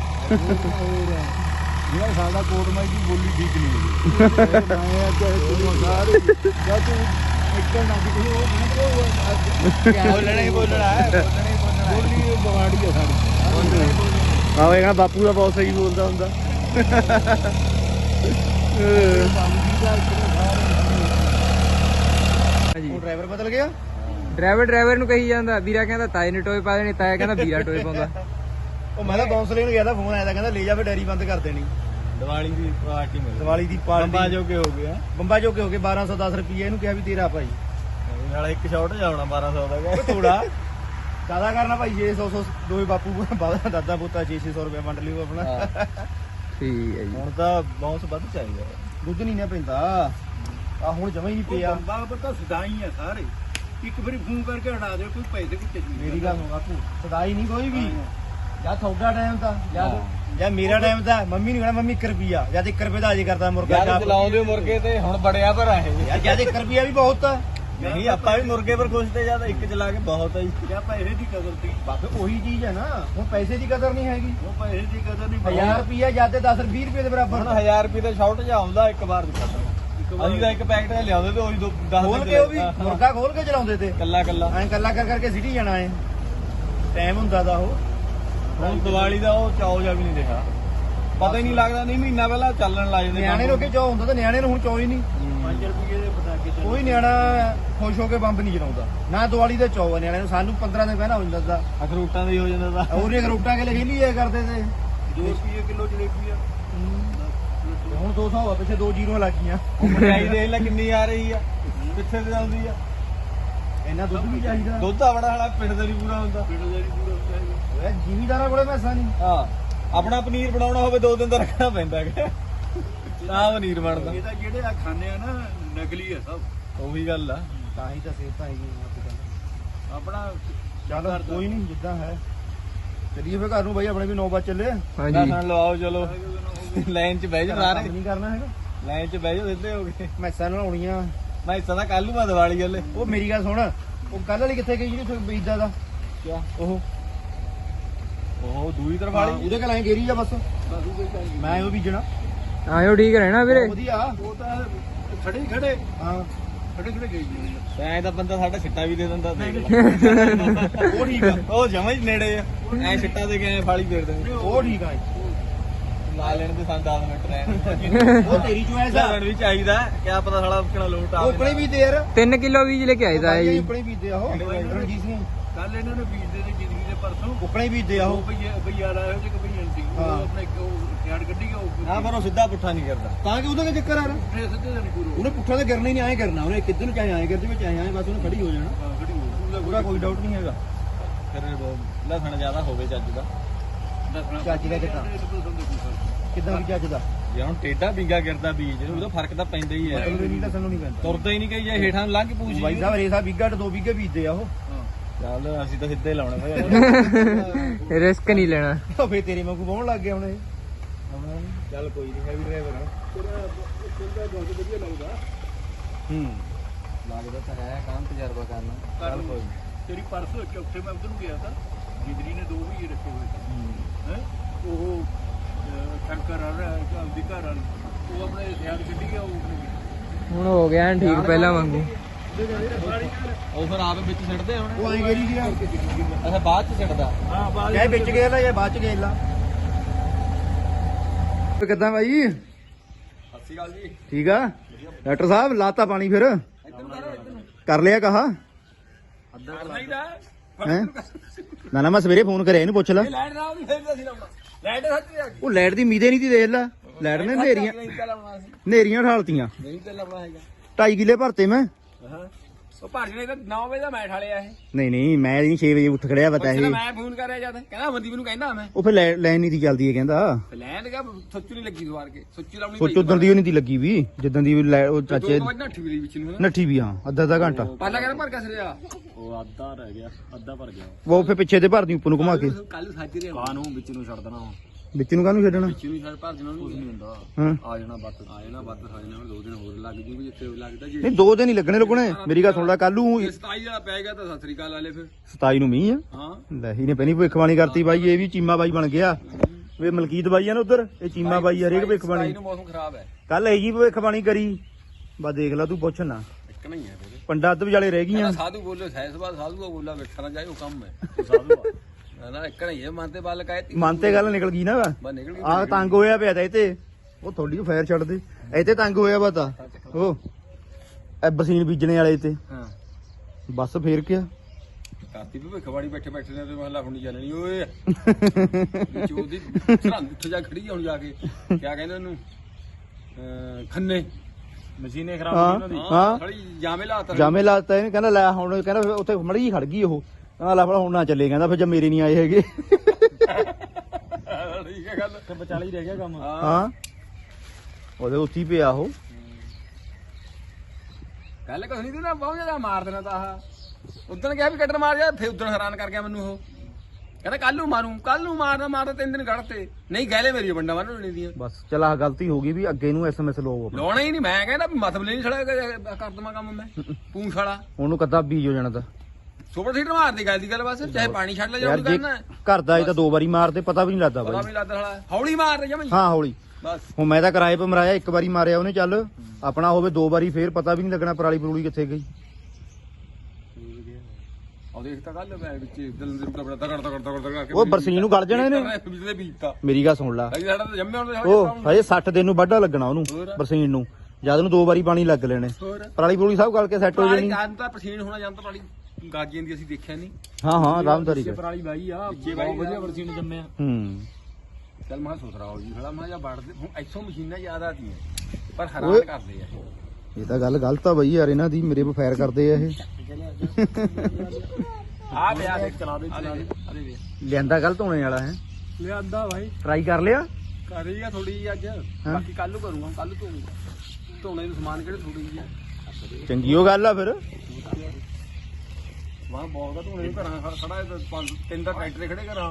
[SPEAKER 3] ਜਿਹੜਾ ਸਾਡਾ ਕੋਟਮਾਈ ਦੀ ਬੋਲੀ ਠੀਕ ਨਹੀਂ ਹੈਗੀ ਮੈਂ ਚਾਹੇ ਸਾਰੇ ਜਾਂ ਤੂੰ ਇੱਕ ਨਾ ਦਿਖੇ ਉਹ
[SPEAKER 2] ਬੋਲਣਾ ਹੀ ਬੋਲਣਾ ਹੈ ਬੋਲਣਾ ਹੀ ਬੋਲਣਾ ਹੈ
[SPEAKER 3] ਬੋਲੀ ਬਵਾੜੀ ਆ ਸਾਡੀ
[SPEAKER 1] ਆਹ ਵੇਖਣਾ ਬਾਪੂ ਦਾ ਬਹੁਤ ਸਹੀ ਬੋਲਦਾ ਹੁੰਦਾ ਉਹ ਡਰਾਈਵਰ ਬਦਲ ਗਿਆ
[SPEAKER 2] ਡਰਾਈਵਰ ਨੂੰ ਕਹੀ ਜਾਂਦਾ ਵੀਰਾ ਕਹਿੰਦਾ ਤਾਏ ਨੇ ਟੋਏ ਪਾ ਦੇਣੇ ਤਾਇਆ ਕਹਿੰਦਾ ਵੀਰਾ ਟੋਏ ਪਾਉਂਦਾ
[SPEAKER 1] ਉਹ ਮੈਂ ਤਾਂ ਬਾਉਂਸਰ ਲੈਣ ਗਿਆ ਤਾਂ ਫੋਨ ਆਇਆ ਤਾਂ ਕਹਿੰਦਾ ਲੈ ਜਾ ਫੇ ਡੈਰੀ ਬੰਦ ਕਰ ਦੇਣੀ
[SPEAKER 3] ਦੀਵਾਲੀ ਦੀ ਪਾਰਟੀ ਮਿਲ
[SPEAKER 1] ਦੀਵਾਲੀ ਦੀ ਪਾਰਟੀ
[SPEAKER 3] ਬੰਬਾ ਜੋਗੇ ਹੋ ਗਿਆ
[SPEAKER 1] ਬੰਬਾ ਜੋਗੇ ਹੋ ਗਏ 1210 ਰੁਪਏ ਇਹਨੂੰ ਕਿਹਾ ਵੀ ਤੇਰਾ ਭਾਈ
[SPEAKER 3] ਨਾਲ ਇੱਕ ਸ਼ਾਟ ਜਾਉਣਾ 1200 ਦਾ
[SPEAKER 1] ਉਹ ਥੋੜਾ ਜ਼ਿਆਦਾ ਕਰਨਾ ਭਾਈ 600 ਦੋਵੇਂ ਬਾਪੂ ਦਾਦਾ ਪੋਤਾ 600 ਰੁਪਏ ਵੰਡ ਲਿਓ ਆਪਣਾ
[SPEAKER 2] ਠੀਕ ਹੈ ਜੀ
[SPEAKER 3] ਹੁਣ ਤਾਂ ਬਾਉਂਸ ਵੱਧ ਚਾਹੀਦਾ
[SPEAKER 1] ਦੁੱਧ ਨਹੀਂ ਨਾ ਪੈਂਦਾ ਆ ਹੁਣ ਜਮਾ ਹੀ ਨਹੀਂ ਪਿਆ
[SPEAKER 3] ਬੰਬਾ ਪਤਾ ਸਦਾਈ ਆ ਸਾਰੇ ਇੱਕ ਵਾਰੀ ਫੋਨ ਕਰਕੇ ਹਟਾ ਦਿਓ ਕੋਈ ਪੈਸੇ ਕੁੱਤੇ
[SPEAKER 1] ਮੇਰੀ ਗੱਲ ਸੁਣ ਬਾਪੂ ਸਦਾਈ ਨਹੀਂ ਕੋਈ ਵੀ ਜਾਂ ਤੁਹਾਡਾ ਟਾਈਮ ਤਾਂ ਜਾਂ ਮੇਰਾ ਟਾਈਮ ਤਾਂ ਮੰਮੀ ਨੂੰ ਕਹਿਣਾ ਮੰਮੀ 1 ਰੁਪਿਆ ਜਾਂ 1 ਰੁਪਏ ਦਾ ਅਜੇ ਕਰਦਾ ਮੁਰਗਾ
[SPEAKER 3] ਯਾਰ ਚਲਾਉਂਦੇ ਮੁਰਗੇ ਤੇ ਹੁਣ ਬੜਿਆ ਪਰ ਆਏ
[SPEAKER 1] ਯਾਰ ਜਾਂ 1 ਰੁਪਿਆ ਵੀ ਬਹੁਤ ਆ
[SPEAKER 3] ਨਹੀਂ ਆਪਾਂ ਵੀ ਮੁਰਗੇ ਪਰ ਖੁਸ਼ ਤੇ ਜਿਆਦਾ ਇੱਕ ਚਲਾ ਕੇ ਬਹੁਤ ਆ ਜੀ ਕਿਆ ਪੈਸੇ ਦੀ ਕਦਰ ਸੀ
[SPEAKER 1] ਬਸ ਉਹੀ ਚੀਜ਼ ਹੈ ਨਾ ਹੁਣ ਪੈਸੇ ਦੀ ਕਦਰ ਨਹੀਂ ਹੈਗੀ
[SPEAKER 3] ਉਹ ਪੈਸੇ ਦੀ ਕਦਰ ਨਹੀਂ
[SPEAKER 1] 1000 ਰੁਪਿਆ ਜਾਂ ਤੇ 10 20 ਰੁਪਏ ਦੇ ਬਰਾਬਰ
[SPEAKER 3] ਹੁਣ 1000 ਰੁਪਏ ਦਾ ਸ਼ਾਟ ਜਾ ਆਉਂਦਾ ਇੱਕ ਵਾਰ ਦੀ ਅਸੀਂ ਤਾਂ ਇੱਕ ਪੈਕਟ ਲਿਆਉਂਦੇ ਤੇ ਉਹੀ 10
[SPEAKER 1] ਖੋਲ ਕੇ ਉਹ ਵੀ ਮੁਰਗਾ ਖੋਲ ਕੇ ਚਲਾਉਂਦੇ ਤੇ
[SPEAKER 3] ਕੱਲਾ ਕੱਲਾ
[SPEAKER 1] ਐਂ ਕੱਲਾ ਕਰ ਕਰਕੇ ਸਿੱਟੀ ਜਾਣਾ ਐ ਟਾਈਮ ਹੁੰਦਾ ਦਾ ਉਹ
[SPEAKER 3] ਹੁਣ ਦੀਵਾਲੀ ਦਾ ਉਹ ਚਾਉ ਜਾ ਵੀ ਨਹੀਂ ਰਿਹਾ ਪਤਾ ਹੀ ਨਹੀਂ ਲੱਗਦਾ ਨਹੀਂ ਮਹੀਨਾ ਪਹਿਲਾਂ ਚੱਲਣ ਲੱਗ ਜਾਂਦੇ
[SPEAKER 1] ਨਿਆਣੇ ਨੂੰ ਕਿ ਚੋ ਹੁੰਦਾ ਤਾਂ ਨਿਆਣੇ ਨੂੰ ਹੁਣ ਚੋ ਹੀ ਨਹੀਂ
[SPEAKER 3] 5 ਰੁਪਏ ਦੇ ਪਟਾਕੇ ਚੱਲ
[SPEAKER 1] ਕੋਈ ਨਿਆਣਾ ਖੁਸ਼ ਹੋ ਕੇ ਬੰਬ ਨਹੀਂ ਚਲਾਉਂਦਾ ਨਾ ਦੀਵਾਲੀ ਦੇ ਚੌ ਨਿਆਣੇ ਨੂੰ ਸਾਨੂੰ 15 ਦਿਨ ਪਹਿਲਾਂ ਹੋ ਜਾਂਦਾ
[SPEAKER 3] ਅਖਰੋਟਾਂ ਦੇ ਹੋ ਜਾਂਦਾ ਤਾਂ
[SPEAKER 1] ਉਹਨੇ ਗਰੋਟਾਂ ਕੇ ਲਗੇ ਨਹੀਂ ਕਰਦੇ ਤੇ
[SPEAKER 3] 2 ਰੁਪਏ ਕਿਲੋ ਜਲੇਬੀ ਆ
[SPEAKER 1] ਹੁਣ 200 ਹੋਆ ਪਿੱਛੇ 2 ਜ਼ੀਰੋ ਲੱਗੀਆਂ
[SPEAKER 3] ਮਠਿਆਈ ਦੇਖ ਲੈ ਕਿੰਨੀ ਆ ਰਹੀ ਆ ਕਿੱਥੇ ਤੇ ਜਾਂਦੀ ਆ
[SPEAKER 1] ਇੰਨਾ ਦੁੱਧ ਵੀ ਚਾਹੀਦਾ
[SPEAKER 3] ਦੁੱਧ ਆ ਬੜਾ ਹਲਾ ਪਿੰਡ ਦਾ ਨਹੀਂ ਪੂਰਾ ਹੁੰਦਾ ਪਿੰਡ ਦਾ ਨਹੀਂ ਪੂਰਾ ਹੁੰਦਾ
[SPEAKER 1] ਓਏ ਜ਼ਿਮੀਦਾਰਾਂ ਕੋਲੇ ਪੈਸਾ ਨਹੀਂ
[SPEAKER 3] ਹਾਂ ਆਪਣਾ ਪਨੀਰ ਬਣਾਉਣਾ ਹੋਵੇ 2 ਦਿਨ ਦਾ ਰੱਖਣਾ ਪੈਂਦਾ ਹੈ ਤਾਂ ਪਨੀਰ ਬਣਦਾ ਇਹ ਤਾਂ ਜਿਹੜੇ ਆ ਖਾਣੇ ਆ ਨਾ ਨਕਲੀ ਆ ਸਭ ਉਹੀ ਗੱਲ ਆ
[SPEAKER 1] ਤਾਂ ਹੀ ਤਾਂ ਸੇਤਾਂ ਹੈਗੀ
[SPEAKER 3] ਆਪਣਾ
[SPEAKER 1] ਚੱਲ ਕੋਈ ਨਹੀਂ ਜਿੱਦਾਂ ਹੈ ਚੱਲੀਏ ਫੇ ਘਰ ਨੂੰ ਬਾਈ ਆਪਣੇ ਵੀ 9 ਵਜੇ ਚੱਲੇ
[SPEAKER 2] ਹਾਂਜੀ
[SPEAKER 3] ਦਸਣ ਲਵਾਓ ਚਲੋ ਲਾਈਨ 'ਚ ਬਹਿ ਜਾ ਸਾਰੇ
[SPEAKER 1] ਨਹੀਂ ਕਰਨਾ ਹੈਗਾ
[SPEAKER 3] ਲਾਈਨ 'ਚ ਬਹਿ ਜਾ ਸਿੱਧੇ ਹੋ ਗਏ
[SPEAKER 1] ਮੈਸਾਂ ਨਲਾਉਣੀਆਂ
[SPEAKER 3] ਮੈਂ ਇਸਾਂ ਦਾ ਕੱਲ ਨੂੰ ਆ ਦੀਵਾਲੀ ਵਾਲੇ
[SPEAKER 1] ਉਹ ਮੇਰੀ ਗੱਲ ਸੁਣ ਉਹ ਕੱਲ ਵਾਲੀ ਕਿੱਥੇ ਗਈ ਜਿਹੜੀ ਬੀਜਦਾ ਦਾ
[SPEAKER 3] ਕਿਆ
[SPEAKER 1] ਉਹ
[SPEAKER 3] ਦੂਈ ਤਰਫ ਵਾਲੀ
[SPEAKER 1] ਉਹਦੇ ਕੋਲ ਐ ਗੇਰੀ ਆ ਬਸ ਮੈਂ ਉਹ ਬੀਜਣਾ
[SPEAKER 2] ਆਇਓ ਠੀਕ ਰਹਿਣਾ ਵੀਰੇ
[SPEAKER 1] ਵਧੀਆ
[SPEAKER 3] ਉਹ ਤਾਂ ਖੜੇ ਹੀ ਖੜੇ
[SPEAKER 1] ਹਾਂ
[SPEAKER 3] ਖੜੇ ਖੜੇ ਗਈ ਜੀ ਐ ਤਾਂ ਬੰਦਾ ਸਾਡਾ ਛਿੱਟਾ ਵੀ ਦੇ ਦਿੰਦਾ
[SPEAKER 1] ਉਹ ਠੀਕ ਆ
[SPEAKER 3] ਉਹ ਜਮਾਂ ਹੀ ਨੇੜੇ ਆ ਐ ਛਿੱਟਾ ਦੇ ਕੇ ਫਾਲੀ ਫੇਰ ਦਿੰਦੇ
[SPEAKER 1] ਉਹ ਠੀਕ ਆ
[SPEAKER 3] ਲਾ ਲੈਣ ਦੇ ਸਾਨੂੰ 10 ਮਿੰਟ ਰਹਿਣ
[SPEAKER 1] ਉਹ ਤੇਰੀ ਚੁਆਇਸ ਆ
[SPEAKER 3] ਲੈਣ ਵੀ ਚਾਹੀਦਾ ਕਿਆ ਪਤਾ ਸਾਲਾ ਕਿਹੜਾ ਲੋਟ
[SPEAKER 1] ਉਹ ਆਪਣੇ ਵੀ ਦੇ ਯਾਰ
[SPEAKER 2] 3 ਕਿਲੋ ਬੀਜ ਲੈ ਕੇ ਆਇਦਾ ਜੀ
[SPEAKER 1] ਆਪਣੇ ਵੀ ਦੇ ਆਹੋ ਰਣਜੀਤ ਸਿੰਘ
[SPEAKER 3] ਕੱਲ ਇਹਨਾਂ ਨੇ ਬੀਜਦੇ ਨੇ ਜ਼ਿੰਦਗੀ ਦੇ ਪਰਸੋਂ
[SPEAKER 1] ਆਪਣੇ ਵੀ ਦੇ ਆਹੋ
[SPEAKER 3] ਭਈਆ ਆਇਆ ਹੋ ਜੇ ਕਿ ਭਈਆ ਸੀ
[SPEAKER 1] ਹਾਂ।
[SPEAKER 3] ਉਹ ਆਪਣੇ ਖਿਆੜ ਕੱਢੀ ਗਿਆ ਹਾਂ ਪਰ ਉਹ ਸਿੱਧਾ ਪੁੱਠਾ ਨਹੀਂ ਕਰਦਾ
[SPEAKER 1] ਤਾਂ ਕਿ ਉਹਦਾ ਕੀ ਚੱਕਰ ਆ
[SPEAKER 3] ਫਿਰ ਸਿੱਧੇ ਨਹੀਂ ਪੂਰਾ
[SPEAKER 1] ਉਹਨੇ ਪੁੱਠਾ ਤੇ ਗਿਰਨਾ ਹੀ ਨਹੀਂ ਐਂ ਕਰਨਾ ਉਹਨੇ ਕਿੱਧਰ ਨੂੰ ਚਾਹੇ ਐਂ ਕਰਦੇ ਵਿੱਚ ਐਂ ਬਸ ਉਹਨੇ ਖੜੀ ਹੋ ਜਾਣਾ
[SPEAKER 3] ਹਾਂ ਖੜੀ ਹੋ
[SPEAKER 1] ਉਹਦਾ ਕੋਈ ਡਾਊਟ ਨਹੀਂ ਹੈਗਾ
[SPEAKER 3] ਫਿਰ ਲਸਣ ਜ਼ਿਆਦਾ ਹੋਵੇ ਚੱਜ ਦਾ
[SPEAKER 1] ਚੱਜ ਦਾ ਕਿੱਦਾਂ? ਕਿੱਦਾਂ ਵੀ ਚੱਜ ਦਾ
[SPEAKER 3] ਜੇ ਹੁਣ ਟੇਡਾ ਬਿੰਗਾ ਗਿਰਦਾ ਬੀਜ ਉਹਦਾ ਫਰਕ ਤਾਂ ਪੈਂਦਾ ਹੀ ਹੈ
[SPEAKER 1] ਉਹਦੇ ਨਹੀਂ ਤਾਂ ਸਾਨੂੰ ਨਹੀਂ ਪੈਂਦਾ
[SPEAKER 3] ਤੁਰਦਾ ਹੀ ਨਹੀਂ ਕਹੀ ਜੇ ਹੇਠਾਂ ਲੰਘ ਕੇ ਪੂਛ
[SPEAKER 1] ਬਾਈ ਸਾਹਿਬ ਰੇਸਾ ਬਿੱਗਾ ਤੇ 2 ਬਿੱਗੇ ਬੀਜਦੇ ਆ ਉਹ
[SPEAKER 3] ਚੱਲ ਅਸੀਂ ਤਾਂ ਸਿੱਧੇ ਲਾਉਣੇ ਭਾਈ
[SPEAKER 2] ਰਿਸਕ ਨਹੀਂ ਲੈਣਾ
[SPEAKER 1] ਉਹ ਫੇਰ ਤੇਰੇ ਵਾਂਗੂ ਬਹੁਣ ਲੱਗ ਗਿਆ ਹੁਣ ਇਹ
[SPEAKER 3] ਚੱਲ ਕੋਈ ਨਹੀਂ ਹੈਵੀ ਡਰਾਈਵਰ ਆ ਤੇਰਾ ਬਹੁਤ ਵਧੀਆ ਲੱਗਦਾ
[SPEAKER 2] ਲੱਗਦਾ ਤਾਂ ਹੈ ਕੰਮ ਤਜਰਬਾ ਕਰਨਾ
[SPEAKER 3] ਚੱਲ ਕੋਈ ਤੇਰੀ ਪਰਸੋਂ ਚੌਥੇ ਮੈਂ ਉਧਰ ਨੂੰ ਗਿਆ ਤਾਂ ਗਿਦਰੀ ਨੇ 2 ਵੀ ਰੱਖੇ ਹੋਏ ਸੀ ਹੈ ਉਹ ਸ਼ੰਕਰ ਆ ਰਿਹਾ ਆਪਦੀ ਘਰ ਵਾਲੀ ਉਹ ਆਪਣੇ ਹਥਿਆਰ ਕੱਢੀ ਗਿਆ ਉਹ
[SPEAKER 2] ਹੁਣ ਹੋ ਗਿਆ ਐਨ ਠੀਕ ਪਹਿਲਾਂ ਵਾਂਗੂ
[SPEAKER 3] ਉਹ ਫਿਰ ਆਪ ਵਿੱਚ ਛੱਡਦੇ ਹੁਣ
[SPEAKER 1] ਉਹ ਐਂ ਗੇਰੀ ਗਿਆ
[SPEAKER 3] ਅੱਛਾ ਬਾਅਦ ਚ ਛੱਡਦਾ ਹਾਂ ਬਾਅਦ
[SPEAKER 1] ਚਾਹੇ ਵਿੱਚ ਗਿਆ ਲਾ ਜਾਂ ਬਾਅਦ ਚ ਗਿਆ ਲਾ ਕਿੱਦਾਂ ਬਾਈ
[SPEAKER 3] ਸੱਚੀ ਗੱਲ ਜੀ
[SPEAKER 1] ਠੀਕ ਆ ਡਾਕਟਰ ਸਾਹਿਬ ਲਾਤਾ ਪਾਣੀ ਫਿਰ ਕਰ ਲਿਆ ਕਹਾ
[SPEAKER 3] ਕਰਨਾ ਹੀ ਦਾ
[SPEAKER 1] ਹੈ ਨਾ ਮੈਂ ਸਵੇਰੇ ਫੋਨ ਕਰਿਆ ਇਹਨੂੰ ਪੁੱਛ ਲੈ
[SPEAKER 3] ਲਾਈਟ ਨਾ ਉਹਦੀ ਫੇਰ ਅਸੀਂ ਲਾਉਣਾ ਲਾਈਟ ਸੱਚ ਆ
[SPEAKER 1] ਉਹ ਲਾਈਟ ਦੀ ਉਮੀਦੇ ਨਹੀਂ ਤੀ ਦੇਖ ਲੈ ਲਾਈਟ ਨੇ ਨੇਰੀਆਂ
[SPEAKER 3] ਲਾਉਣਾ ਸੀ
[SPEAKER 1] ਨੇਰੀਆਂ ਠਾਲਤੀਆਂ
[SPEAKER 3] ਨਹੀਂ ਤੇ ਲਾਉਣਾ ਹੈਗਾ
[SPEAKER 1] 2.5 ਕਿੱਲੇ ਭਰਤੇ ਮੈਂ
[SPEAKER 3] ਹਾਂ ਉਹ ਭਾਜੀ ਨੇ ਤਾਂ 9 ਵਜੇ ਦਾ ਮੈਚ ਹਾਲਿਆ ਇਹ
[SPEAKER 1] ਨਹੀਂ ਮੈਂ ਨਹੀਂ 6 ਵਜੇ ਉੱਠ ਖੜਿਆ ਪਤਾ ਇਹ
[SPEAKER 3] ਮੈਂ ਫੋਨ ਕਰਿਆ ਜਦ ਕਹਿੰਦਾ ਮਨਦੀਪ ਨੂੰ ਕਹਿੰਦਾ ਮੈਂ
[SPEAKER 1] ਉਹ ਫਿਰ ਲਾਈਨ ਨਹੀਂ ਦੀ ਚੱਲਦੀ ਹੈ ਕਹਿੰਦਾ
[SPEAKER 3] ਲੈਣ ਗਿਆ ਸੱਚੂ ਨਹੀਂ ਲੱਗੀ ਸਵਾਰ ਕੇ ਸੱਚੀ ਲਾਉਣੀ
[SPEAKER 1] ਸੋਚ ਉਦੋਂ ਦੀ ਉਹ ਨਹੀਂ ਤੀ ਲੱਗੀ ਵੀ ਜਿੱਦਾਂ ਦੀ ਉਹ ਚਾਚੇ
[SPEAKER 3] 2 ਵਜੇ ਨੱਠੀ ਵੀ ਵਿੱਚ ਨੂੰ
[SPEAKER 1] ਨੱਠੀ ਵੀ ਹਾਂ ਅੱਧਾ ਘੰਟਾ
[SPEAKER 3] ਪਹਿਲਾਂ ਕਹਿੰਦਾ ਭਰ ਕਸ ਰਿਹਾ ਉਹ ਅੱਧਾ ਰਹਿ ਗਿਆ ਅੱਧਾ ਭਰ ਗਿਆ
[SPEAKER 1] ਉਹ ਫਿਰ ਪਿੱਛੇ ਤੇ ਭਰਦੀ ਉੱਪਰ ਨੂੰ ਘੁਮਾ ਕੇ
[SPEAKER 3] ਕੱਲ ਸੱਜ ਰਿਹਾ ਕਾਹ ਨੂੰ ਵਿੱਚ ਨੂੰ ਛੱਡ ਦੇਣਾ
[SPEAKER 1] ਵਿੱਚ ਨੂੰ ਕਾਹਨੂੰ ਛੱਡਣਾ
[SPEAKER 3] ਵਿੱਚ ਨੂੰ ਛੱਡ ਭਰ ਜਣਾ ਕੁਝ ਨਹੀਂ ਹੁੰਦਾ
[SPEAKER 1] ਹਾਂ
[SPEAKER 3] ਆ ਜਾਣਾ ਵੱਧ ਆ ਜਾਣਾ ਵੱਧ ਖਾ ਜਾਣਾ 2 ਦਿਨ ਹੋਰ ਲੱਗ ਜੂਗੀ ਜਿੱਥੇ ਲੱਗਦਾ ਜੀ
[SPEAKER 1] ਨਹੀਂ 2 ਦਿਨ ਹੀ ਲੱਗਣੇ ਲੱਗਣੇ ਮੇਰੀ ਗੱਲ ਸੁਣ ਲੈ ਕੱਲ ਨੂੰ
[SPEAKER 3] 27 ਵਾਲਾ ਪੈ ਗਿਆ ਤਾਂ ਸਤਿ ਸ੍ਰੀ ਅਕਾਲ ਵਾਲੇ ਫਿਰ
[SPEAKER 1] 27 ਨੂੰ ਮੀਂਹ ਆ
[SPEAKER 3] ਹਾਂ
[SPEAKER 1] ਲੈ ਹੀ ਨੇ ਪਹਿਲੀ ਭਵਿੱਖਬਾਣੀ ਕਰਤੀ ਬਾਈ ਇਹ ਵੀ ਚੀਮਾ ਬਾਈ ਬਣ ਗਿਆ ਵੇ ਮਲਕੀਤ ਬਾਈ ਆ ਨਾ ਉਧਰ ਇਹ ਚੀਮਾ ਬਾਈ ਆ ਹਰੇਕ ਭਵਿੱਖਬਾਣੀ
[SPEAKER 3] ਨੂੰ ਮੌਸਮ ਖਰਾਬ ਹੈ
[SPEAKER 1] ਕੱਲ ਇਹ ਜੀ ਭਵਿੱਖਬਾਣੀ ਕਰੀ ਬਸ ਦੇਖ ਲੈ ਤੂੰ ਪੁੱਛ ਨਾ
[SPEAKER 3] ਇੱਕ ਨਹੀਂ ਹੈ ਵੀਰੇ
[SPEAKER 1] ਪੰਡਾ ਅੱਧ ਵਿਚਾਲੇ ਰਹਿ ਗਈਆਂ
[SPEAKER 3] ਸਾਧੂ ਬੋਲੇ ਸਹਿਸਬਾਦ ਸਾਧੂ ਦਾ ਬੋਲਾ ਵੇਖਣਾ ਜਾਏ ਉਹ ਕੰਮ ਹੈ ਸਾਧੂ ਨਾ ਇੱਕ ਨਹੀਂ ਹੈ ਮਨ ਤੇ ਬੱਲ ਕਾਇਤੀ
[SPEAKER 1] ਮਨ ਤੇ ਗੱਲ ਨਿਕਲ ਗਈ ਨਾ
[SPEAKER 3] ਬਸ ਨਿਕਲ ਗਈ
[SPEAKER 1] ਆ ਤੰਗ ਹੋਇਆ ਪਿਆ ਤਾਂ ਇਹ ਤੇ ਉਹ ਥੋੜੀ ਜਿਹੀ ਫਾਇਰ ਛੱਡ ਦੇ ਇਹ ਤੇ ਤੰਗ ਹੋਇਆ ਵਾ ਤਾਂ ਉਹ ਇਹ ਬਰਸੀਨ ਬੀਜਣੇ ਵਾਲੇ ਤੇ
[SPEAKER 3] ਹਾਂ
[SPEAKER 1] ਬਸ ਫੇਰ ਕਿਆ
[SPEAKER 3] ਕਾਤੀ ਵੀ ਖਵਾੜੀ ਬੈਠੇ ਬੈਠੇ ਨੇ ਤੇ ਮਹਲਾ ਹੁਣੀ ਚੱਲਣੀ ਓਏ ਵਿੱਚ ਉਹਦੀ ਸਰਹੰਦ ਉੱਠ ਜਾ ਖੜੀ ਹੁਣ ਜਾ ਕੇ ਕਿਆ ਕਹਿੰਦੇ ਉਹਨੂੰ ਖੰਨੇ ਮਸ਼ੀਨੇ ਖਰਾਬ
[SPEAKER 1] ਹਾਂ,
[SPEAKER 3] ਹੋਈ ਉਹਨਾਂ ਦੀ
[SPEAKER 1] ਹਾਂ।
[SPEAKER 3] ਖੜੀ ਜਾਮੇ ਲਾਤਾ
[SPEAKER 1] ਜਾਮੇ ਲਾਤਾ ਇਹਨੇ ਕਹਿੰਦਾ ਲੈ ਹੁਣ ਕਹਿੰਦਾ ਉੱਥੇ ਮੜੀ ਜੀ ਖੜ ਗਈ ਉਹ ਕਹਿੰਦਾ ਲੈ ਫੜਾ ਹੁਣ ਨਾ ਚੱਲੇ ਕਹਿੰਦਾ ਫਿਰ ਜੇ ਮੇਰੇ ਨਹੀਂ ਆਏ ਹੈਗੇ
[SPEAKER 3] ਠੀਕ ਹੈ ਗੱਲ ਤੇ ਵਿਚਾਲੇ ਹੀ ਰਹਿ ਗਿਆ ਕੰਮ
[SPEAKER 1] ਹਾਂ ਉਹਦੇ ਉੱਤੀ ਪਿਆ ਉਹ
[SPEAKER 3] ਗੱਲ ਕੁਛ ਨਹੀਂ ਦੀ ਨਾ ਬਹੁਤ ਜ਼ਿਆਦਾ ਮਾਰ ਦੇਣਾ ਤਾਂ ਆਹ ਉਦੋਂ ਕਿਹਾ ਵੀ ਕੱਟਣ ਮਾਰ ਜਾ ਫੇਰ ਉਦੋਂ ਹੈਰਾਨ ਕਰ ਗਿਆ ਮੈਨੂੰ ਉਹ ਕਹਿੰਦਾ ਕੱਲ ਨੂੰ ਮਾਰੂ ਕੱਲ ਨੂੰ ਮਾਰਦਾ 3 ਦਿਨ ਕੱਢਤੇ ਨਹੀਂ ਗਹਿਲੇ ਮੇਰੀ ਬੰਦਾ ਮਾਰਨ ਨਹੀਂ ਦੀਆਂ
[SPEAKER 1] ਬਸ ਚਲ ਆਹ ਗਲਤੀ ਹੋ ਗਈ ਵੀ ਅੱਗੇ ਨੂੰ ਐਸਐਮਐਸ ਲਓ ਆਪਣਾ
[SPEAKER 3] ਲਾਉਣਾ ਹੀ ਨਹੀਂ ਮੈਂ ਕਹਿੰਦਾ ਵੀ ਮਤਲਬ ਨਹੀਂ ਛੜਾ ਕਰ ਦਵਾਂ ਕੰਮ ਮੈਂ ਪੂੰਛ ਵਾਲਾ
[SPEAKER 1] ਉਹਨੂੰ ਕੱਦਾ ਬੀਜ ਹੋ ਜਾਣਾ ਤਾਂ
[SPEAKER 3] ਸੁਪਰ ਸੀਡਰ ਮਾਰਦੀ ਗੱਲ ਦੀ ਗੱਲ ਬਸ ਚਾਹੇ ਪਾਣੀ ਛੱਡ ਲੈ
[SPEAKER 1] ਯਾਰ
[SPEAKER 3] ਜਾਉਂ
[SPEAKER 1] ਜੇ
[SPEAKER 3] ਕਰਨਾ
[SPEAKER 1] ਘਰ ਦਾ ਇਹ ਤਾਂ 2 ਵਾਰੀ ਮਾਰਦੇ ਪਤਾ ਵੀ ਨਹੀਂ ਲੱਗਦਾ
[SPEAKER 3] ਪਤਾ
[SPEAKER 1] ਬਾਈ
[SPEAKER 3] ਵੀ ਲੱਗਦਾ ਸਾਲਾ ਹੌਲੀ ਮਾਰਦੇ ਜਮਈ
[SPEAKER 1] ਹਾਂ ਹੌਲੀ
[SPEAKER 3] ਬਸ
[SPEAKER 1] ਹੁਣ ਮੈਂ ਤਾਂ ਕਿਰਾਏ 'ਤੇ ਮਰਾਇਆ 1 ਵਾਰੀ ਮਾਰਿਆ ਉਹਨੇ ਚੱਲ ਆਪਣਾ ਹੋਵੇ 2 ਵਾਰੀ ਫੇਰ ਪਤਾ ਵੀ ਨਹੀਂ ਲੱਗਣਾ ਪਰਾਲੀ ਪਰੂਲੀ ਕਿੱਥੇ ਗਈ
[SPEAKER 3] ਉਹ ਦੇਖ ਤਾਂ ਗੱਲ ਮੈਂ ਵਿੱਚ ਦਿਲ ਦੇ ਬੜਾ ਤਗੜ ਕਰਕੇ
[SPEAKER 1] ਉਹ ਬਰਸੀਨ ਨੂੰ ਗਲ ਜਾਣਾ ਇਹਨੇ
[SPEAKER 3] ਬਿਜਲੇ ਬੀਜਤਾ
[SPEAKER 1] ਮੇਰੀ ਗੱਲ ਸੁਣ ਲਾ
[SPEAKER 3] ਅਜੀ ਸਾਡਾ ਤਾਂ ਜੰਮੇ ਹੁਣ
[SPEAKER 1] ਉਹ ਹਜੇ 60 ਦਿਨ ਨੂੰ ਵਾਢਾ ਲੱਗਣਾ ਉਹਨੂੰ
[SPEAKER 3] ਹੋਰ।
[SPEAKER 1] ਬਰਸੀਨ ਨੂੰ ਜਦ ਨੂੰ 2 ਵਾਰੀ ਪਾਣੀ ਲੱਗ ਲੈਣੇ
[SPEAKER 3] ਹੋਰ
[SPEAKER 1] ਪਰਾਲੀ ਪਰੂਲੀ ਸਭ ਗਲ ਕੇ ਸੈੱਟ ਹੋ ਜਾਣੀ
[SPEAKER 3] ਜਾਨ ਤਾਂ ਪਸੀਨ ਹੋਣਾ ਜਾਂ ਤਾਂ ਪਰਾਲੀ ਗਾਜੀਆਂ ਦੀ ਅਸੀਂ ਦੇਖਿਆ ਨਹੀਂ
[SPEAKER 1] ਹਾਂ ਹਾਂ ਆਰਾਮਦਾਰੀ
[SPEAKER 3] ਪਿੱਛੇ ਪਰਾਲੀ ਬਾਈ ਆ ਬਹੁਤ ਵਧੀਆ ਪਸੀਨ ਜੰਮਿਆ
[SPEAKER 1] ਹੂੰ
[SPEAKER 3] ਚੱਲ ਮੈਂ ਕਿਹਾ ਸੁਥਰਾ ਹੋ ਜੀ ਖੜਾ ਮੈਂ ਜਾਂ ਵੜਦੇ ਹੁਣ ਇੱਥੋਂ ਮਸ਼ੀਨਾਂ ਜ਼ਿਆਦਾ ਆਦੀਆਂ ਪਰ
[SPEAKER 1] ਓਏ।
[SPEAKER 3] ਹੈਰਾਨ ਕਰਦੇ ਆ
[SPEAKER 1] ਇਹ ਤਾਂ ਗੱਲ ਗਲਤ ਆ ਬਈ ਯਾਰ ਇਹਨਾਂ ਦੀ ਮੇਰੇ ਪੇ ਫਾਇਰ ਕਰਦੇ ਆ ਇਹ
[SPEAKER 3] ਆ ਪਿਆ ਦੇਖ ਚਲਾ ਦੇ ਅਰੇ ਵੇ
[SPEAKER 1] ਲਿਆਂਦਾ ਗਲਤ ਹੋਣੇ ਵਾਲਾ ਹੈ
[SPEAKER 3] ਲਿਆਂਦਾ ਭਾਈ
[SPEAKER 1] ਟਰਾਈ ਕਰ ਲਿਆ
[SPEAKER 3] ਕਰ ਰਹੀ ਆ ਥੋੜੀ ਜਿਹੀ ਅੱਜ ਬਾਕੀ ਕੱਲ ਨੂੰ ਕਰੂੰਗਾ ਕੱਲ ਧੋਊਂਗਾ ਧੋਣੇ ਨੂੰ ਸਮਾਨ ਕਿਹੜੇ ਥੋੜੀ ਜਿਹੀ ਆ
[SPEAKER 1] ਚੰਗੀ ਉਹ ਗੱਲ ਆ ਫਿਰ
[SPEAKER 3] ਵਾਹ ਬਹੁਤ ਦਾ ਧੋਣੇ ਨੂੰ ਘਰਾਂ ਖੜਾ ਤਿੰਨ ਦਾ ਟਰੈਕਟਰ ਖੜੇ ਘਰਾਂ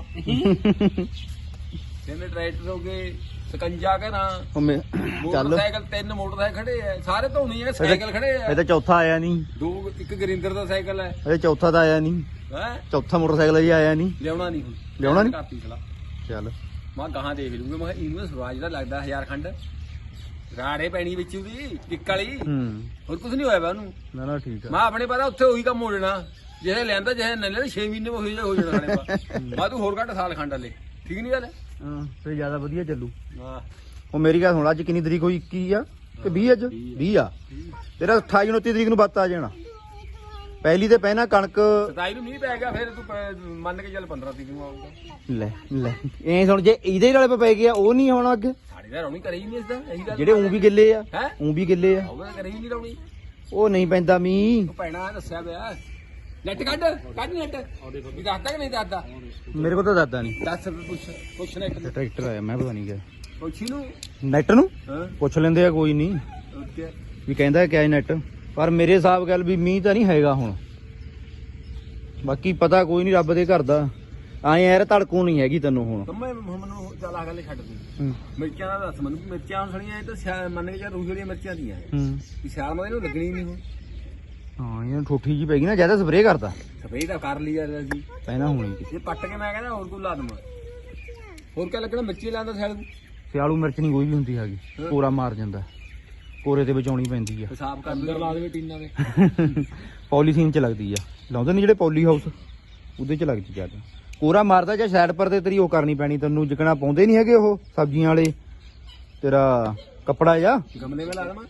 [SPEAKER 3] ਤਿੰਨ ਟਰੈਕਟਰ ਹੋ ਗਏ 57 ਘਰਾਂ
[SPEAKER 1] ਉਹ ਚੱਲ
[SPEAKER 3] ਮੋਟਰਸਾਈਕਲ 3 ਮੋਟਰਸਾਈਕਲ ਖੜੇ ਆ ਸਾਰੇ ਧੋਣੇ ਆ ਸਾਈਕਲ ਖੜੇ ਆ
[SPEAKER 1] ਇਹ ਤਾਂ ਚੌਥਾ ਆਇਆ ਨਹੀਂ
[SPEAKER 3] ਇੱਕ ਗਰਿੰਦਰ ਦਾ ਸਾਈਕਲ ਹੈ
[SPEAKER 1] ਇਹ ਚੌਥਾ ਤਾਂ ਆਇਆ ਨਹੀਂ
[SPEAKER 3] ਹੈ
[SPEAKER 1] ਚੌਥਾ ਮੋਟਰਸਾਈਕਲ ਜੀ ਆਇਆ ਨਹੀਂ
[SPEAKER 3] ਲਿਆਉਣਾ ਨਹੀਂ ਹੁਣ
[SPEAKER 1] ਲਿਆਉਣਾ ਨੀ?
[SPEAKER 3] ਕਾਪੀ ਚਲਾ
[SPEAKER 1] ਚੱਲ
[SPEAKER 3] ਮੈਂ ਗਾਹਾਂ ਦੇਖ ਲੂੰਗਾ ਮੈਂ ਕਿਹਾ ਇਹਨੂੰ ਸਵਾਜ ਦਾ ਲੱਗਦਾ 1000 ਖੰਡ ਰਾੜੇ ਪੈਣੀ ਵਿੱਚ ਉਹਦੀ ਟਿੱਕ ਵਾਲੀ
[SPEAKER 1] ਹੂੰ
[SPEAKER 3] ਹੋਰ ਕੁਝ ਨਹੀਂ ਹੋਇਆ ਵਾ ਉਹਨੂੰ
[SPEAKER 1] ਨਾ ਨਾ ਠੀਕ ਆ
[SPEAKER 3] ਮੈਂ ਆਪਣੇ ਪਤਾ ਉੱਥੇ ਉਹੀ ਕੰਮ ਹੋ ਜਾਣਾ ਜਿਹੇ ਲੈਂਦਾ ਜਿਹੇ ਨਹੀਂ ਲੈਂਦਾ 6 ਮਹੀਨੇ ਹੋ ਜਾਣਾ ਸਾਡੇ ਪਾ ਮੈਂ ਤੂੰ ਹੋਰ ਘੱਟ ਸਾਲ ਖੰਡ ਵਾਲੇ ਠੀਕ ਨਹੀਂ ਗੱਲ
[SPEAKER 1] ਹਾਂ ਫਿਰ ਜ਼ਿਆਦਾ ਵਧੀਆ ਚੱਲੂ
[SPEAKER 3] ਹਾਂ
[SPEAKER 1] ਉਹ ਮੇਰੀ ਗੱਲ ਸੁਣ ਅੱਜ ਕਿੰਨੀ ਤਰੀਕ ਹੋਈ 21 ਆ ਕਿ 20 ਅੱਜ 20 ਆ ਤੇਰਾ 28 29 ਤਰੀਕ ਨੂੰ ਬੱਤ ਆ ਜਾਣਾ ਪਹਿਲੀ ਤੇ ਪਹਿਣਾ ਕਣਕ
[SPEAKER 3] 27 ਨੂੰ ਮੀਂਹ ਪੈ ਗਿਆ ਫਿਰ ਤੂੰ ਮੰਨ ਕੇ ਚੱਲ 15 ਤਰੀਕ ਨੂੰ ਆਊਗਾ
[SPEAKER 1] ਲੈ ਲੈ ਐ ਸੁਣ ਜੇ ਇਹਦੇ ਨਾਲੇ ਪੈ ਗਿਆ ਉਹ ਨਹੀਂ ਹੋਣਾ ਅੱਗੇ
[SPEAKER 3] ਸਾਡੇ ਦਾ ਰੌਣੀ ਕਰੇ ਹੀ ਨਹੀਂ ਇਸਦਾ ਇਹੀ ਗੱਲ
[SPEAKER 1] ਜਿਹੜੇ ਉਂ ਵੀ ਗਿੱਲੇ ਆ
[SPEAKER 3] ਹੈ
[SPEAKER 1] ਉਂ ਵੀ ਗਿੱਲੇ ਆ
[SPEAKER 3] ਉਹਦਾ ਕਰੇ ਹੀ ਨਹੀਂ ਰੌਣੀ
[SPEAKER 1] ਉਹ ਨਹੀਂ ਪੈਂਦਾ ਮੀਂਹ
[SPEAKER 3] ਉਹ ਪੈਣਾ ਦੱਸਿਆ ਪਿਆ ਨੈਟ ਕੱਢ ਨੈਟ ਵੀ ਦੱਸਦਾ ਕਿ ਨਹੀਂ ਦੱਸਦਾ
[SPEAKER 1] ਮੇਰੇ ਕੋਲ ਤਾਂ ਦਾਦਾ ਨਹੀਂ
[SPEAKER 3] ਦੱਸ ਪੁੱਛ ਨੈਟ ਨੂੰ
[SPEAKER 1] ਟਰੈਕਟਰ ਆਇਆ ਮੈਂ ਪਤਾ ਨਹੀਂ ਗਿਆ
[SPEAKER 3] ਪੁੱਛੀ ਨੂੰ
[SPEAKER 1] ਨੈਟ ਨੂੰ
[SPEAKER 3] ਹਾਂ
[SPEAKER 1] ਪੁੱਛ ਲੈਂਦੇ ਆ ਕੋਈ ਨਹੀਂ
[SPEAKER 3] ਓਕੇ
[SPEAKER 1] ਵੀ ਕਹਿੰਦਾ ਕਿਆ ਨੈਟ ਪਰ ਮੇਰੇ ਹਿਸਾਬ ਗੱਲ ਵੀ ਮੀਂਹ ਤਾਂ ਨਹੀਂ ਹੈਗਾ ਹੁਣ ਬਾਕੀ ਪਤਾ ਕੋਈ ਨਹੀਂ ਰੱਬ ਦੇ ਘਰ ਦਾ ਐਂ ਯਾਰ ਧੜਕੂ ਨਹੀਂ ਹੈਗੀ ਤੈਨੂੰ ਹੁਣ
[SPEAKER 3] ਕੰਮੇ ਮੈਨੂੰ ਚੱਲ ਆ ਗੱਲ ਛੱਡ ਦੇ
[SPEAKER 1] ਹੂੰ
[SPEAKER 3] ਮਿਰਚਾਂ ਦਾ ਦੱਸ ਮੈਨੂੰ ਮਿਰਚਾਂ ਸੜੀਆਂ ਇਹ ਤਾਂ ਮੰਨ ਕੇ ਚੱਲ ਰੂਹ ਵਾਲੀਆਂ ਮਿਰਚਾਂ ਦੀਆਂ
[SPEAKER 1] ਹੂੰ
[SPEAKER 3] ਵੀ ਸਿਆਲ ਮਾ ਇਹਨੂੰ ਲੱਗਣੀ ਨਹੀਂ ਹੁਣ
[SPEAKER 1] ਹਾਂ ਇਹਨਾਂ ਠੋਠੀ ਜੀ ਪੈ ਗਈ ਨਾ ਜਿਆਦਾ ਸਪਰੇਅ ਕਰਦਾ
[SPEAKER 3] ਸਪਰੇਅ ਤਾਂ ਕਰ ਲਈ ਯਾਰ ਅਸੀਂ
[SPEAKER 1] ਪਹਿਲਾਂ ਹੋਣੀ
[SPEAKER 3] ਇਹ ਪੱਟ ਕੇ ਮੈਂ ਕਹਿੰਦਾ ਹੋਰ ਕੋਈ ਲਾ ਦਵਾਂ ਹੋਰ ਕਿਆ ਲੱਗਣਾ ਮਿਰਚੀ ਲਾਉਂਦਾ ਸਿਆਲ ਨੂੰ
[SPEAKER 1] ਸਿਆਲੂ ਮਿਰਚ ਨਹੀਂ ਕੋਈ ਵੀ ਹੁੰਦੀ ਹੈਗੀ ਕੋਰਾ ਮਾਰ ਜਾਂਦਾ ਕੋਰੇ ਤੇ ਬਚਾਉਣੀ ਪੈਂਦੀ ਆ
[SPEAKER 3] ਹਿਸਾਬ ਕਰ ਅੰਦਰ ਲਾ ਦੇਵੇ ਟੀਨਾਂ ਦੇ
[SPEAKER 1] ਪੋਲੀਥੀਨ ਚ ਲੱਗਦੀ ਆ ਲਾਉਂਦੇ ਨੇ ਜਿਹੜੇ ਪੋਲੀ ਹਾਊਸ ਉਹਦੇ ਚ ਲੱਗਦੀ ਜਿਆਦਾ ਕੋਰਾ ਮਾਰਦਾ ਜਾਂ ਸਾਈਡ ਪਰ ਤੇ ਤੇਰੀ ਉਹ ਕਰਨੀ ਪੈਣੀ ਤੈਨੂੰ ਜਿਕਣਾ ਪਾਉਂਦੇ ਨਹੀਂ ਹੈਗੇ ਉਹ ਸਬਜ਼ੀਆਂ ਵਾਲੇ ਤੇਰਾ ਕੱਪੜਾ ਜਾਂ
[SPEAKER 3] ਗਮਲੇ ਵਿੱਚ ਲਾ ਦਵਾਂ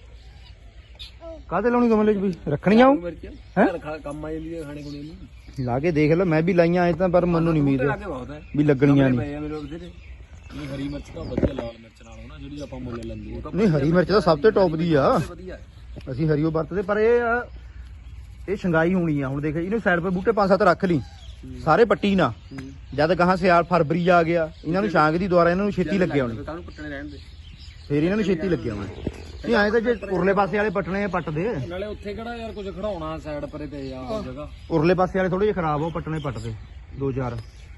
[SPEAKER 1] ਕਾਹਦੇ ਲਾਉਣੀ ਗਮਲੇ ਚ ਵੀ ਰੱਖਣੀਆਂ ਉਹ
[SPEAKER 3] ਮਿਰਚ
[SPEAKER 1] ਹੈਂ?
[SPEAKER 3] ਕੰਮ ਆ ਜਾਂਦੀ ਹੈ ਖਾਣੇ ਖੁਣੇ ਨੂੰ
[SPEAKER 1] ਲਾ ਕੇ ਦੇਖ ਲੈ ਮੈਂ ਵੀ ਲਾਈਆਂ ਐ ਤਾਂ ਪਰ ਮੈਨੂੰ ਨਹੀਂ ਉਮੀਦ
[SPEAKER 3] ਲਾਗੇ ਬਹੁਤ ਹੈ
[SPEAKER 1] ਵੀ ਲੱਗਣੀਆਂ ਨਹੀਂ
[SPEAKER 3] ਪਏ ਆ ਮੇਰੇ ਬਥੇਰੇ ਨਹੀਂ ਹਰੀ ਮਿਰਚ ਤਾਂ ਵਧੀਆ ਲਾਲ ਮਿਰਚ ਨਾਲ ਹੋਣਾ ਜਿਹੜੀ ਆਪਾਂ ਮੁੱਲ ਲੈਂਦੇ ਉਹ ਤਾਂ
[SPEAKER 1] ਨਹੀਂ ਹਰੀ ਮਿਰਚ ਤਾਂ ਸਭ ਤੋਂ ਟੌਪ ਦੀ ਆ
[SPEAKER 3] ਵਧੀਆ
[SPEAKER 1] ਅਸੀਂ ਹਰੀਓ ਵਰਤਦੇ ਪਰ ਇਹ ਆ, ਇਹ ਸ਼ੰਗਾਈ ਹੋਣੀ ਆ ਹੁਣ ਦੇਖ ਇਹਨੂੰ ਸਾਈਡ 'ਤੇ ਬੂਟੇ 5-7 ਰੱਖ ਲਈ ਸਾਰੇ ਪੱਟੀ ਨਾ ਜਦ ਕਹਾਂ ਸਿਆਲ ਫਰਵਰੀ ਆ ਗਿਆ ਇਹਨਾਂ ਨੂੰ ਛਾਂਗ ਦੀ ਦੁਆਰਾ ਇਹਨਾਂ ਨੂੰ ਛੇਤੀ ਲੱਗੇ ਆਉਣੀ
[SPEAKER 3] ਕਾਹਨੂੰ ਪੱਟਣੇ ਰਹਿਣ ਦੇ
[SPEAKER 1] ਫੇਰ ਇਹਨਾਂ ਨੂੰ ਛੇਤੀ ਲੱਗੇ ਆਉਣੀ ਨਹੀਂ ਐਂ ਤਾਂ ਜੇ ਉਰਲੇ ਪਾਸੇ ਵਾਲੇ ਪੱਟਣੇ ਆ ਪੱਟ ਦੇ
[SPEAKER 3] ਨਾਲੇ ਉੱਥੇ ਕਿਹੜਾ ਯਾਰ ਕੁਝ ਖੜਾਉਣਾ ਸਾਈਡ ਪਰੇ ਤੇ ਆ ਜਗ੍ਹਾ
[SPEAKER 1] ਉਰਲੇ ਪਾਸੇ ਵਾਲੇ ਥੋੜੇ ਜਿਹਾ ਖਰਾਬ ਹੋ ਪੱਟਣੇ ਪੱਟ ਦੇ 2-4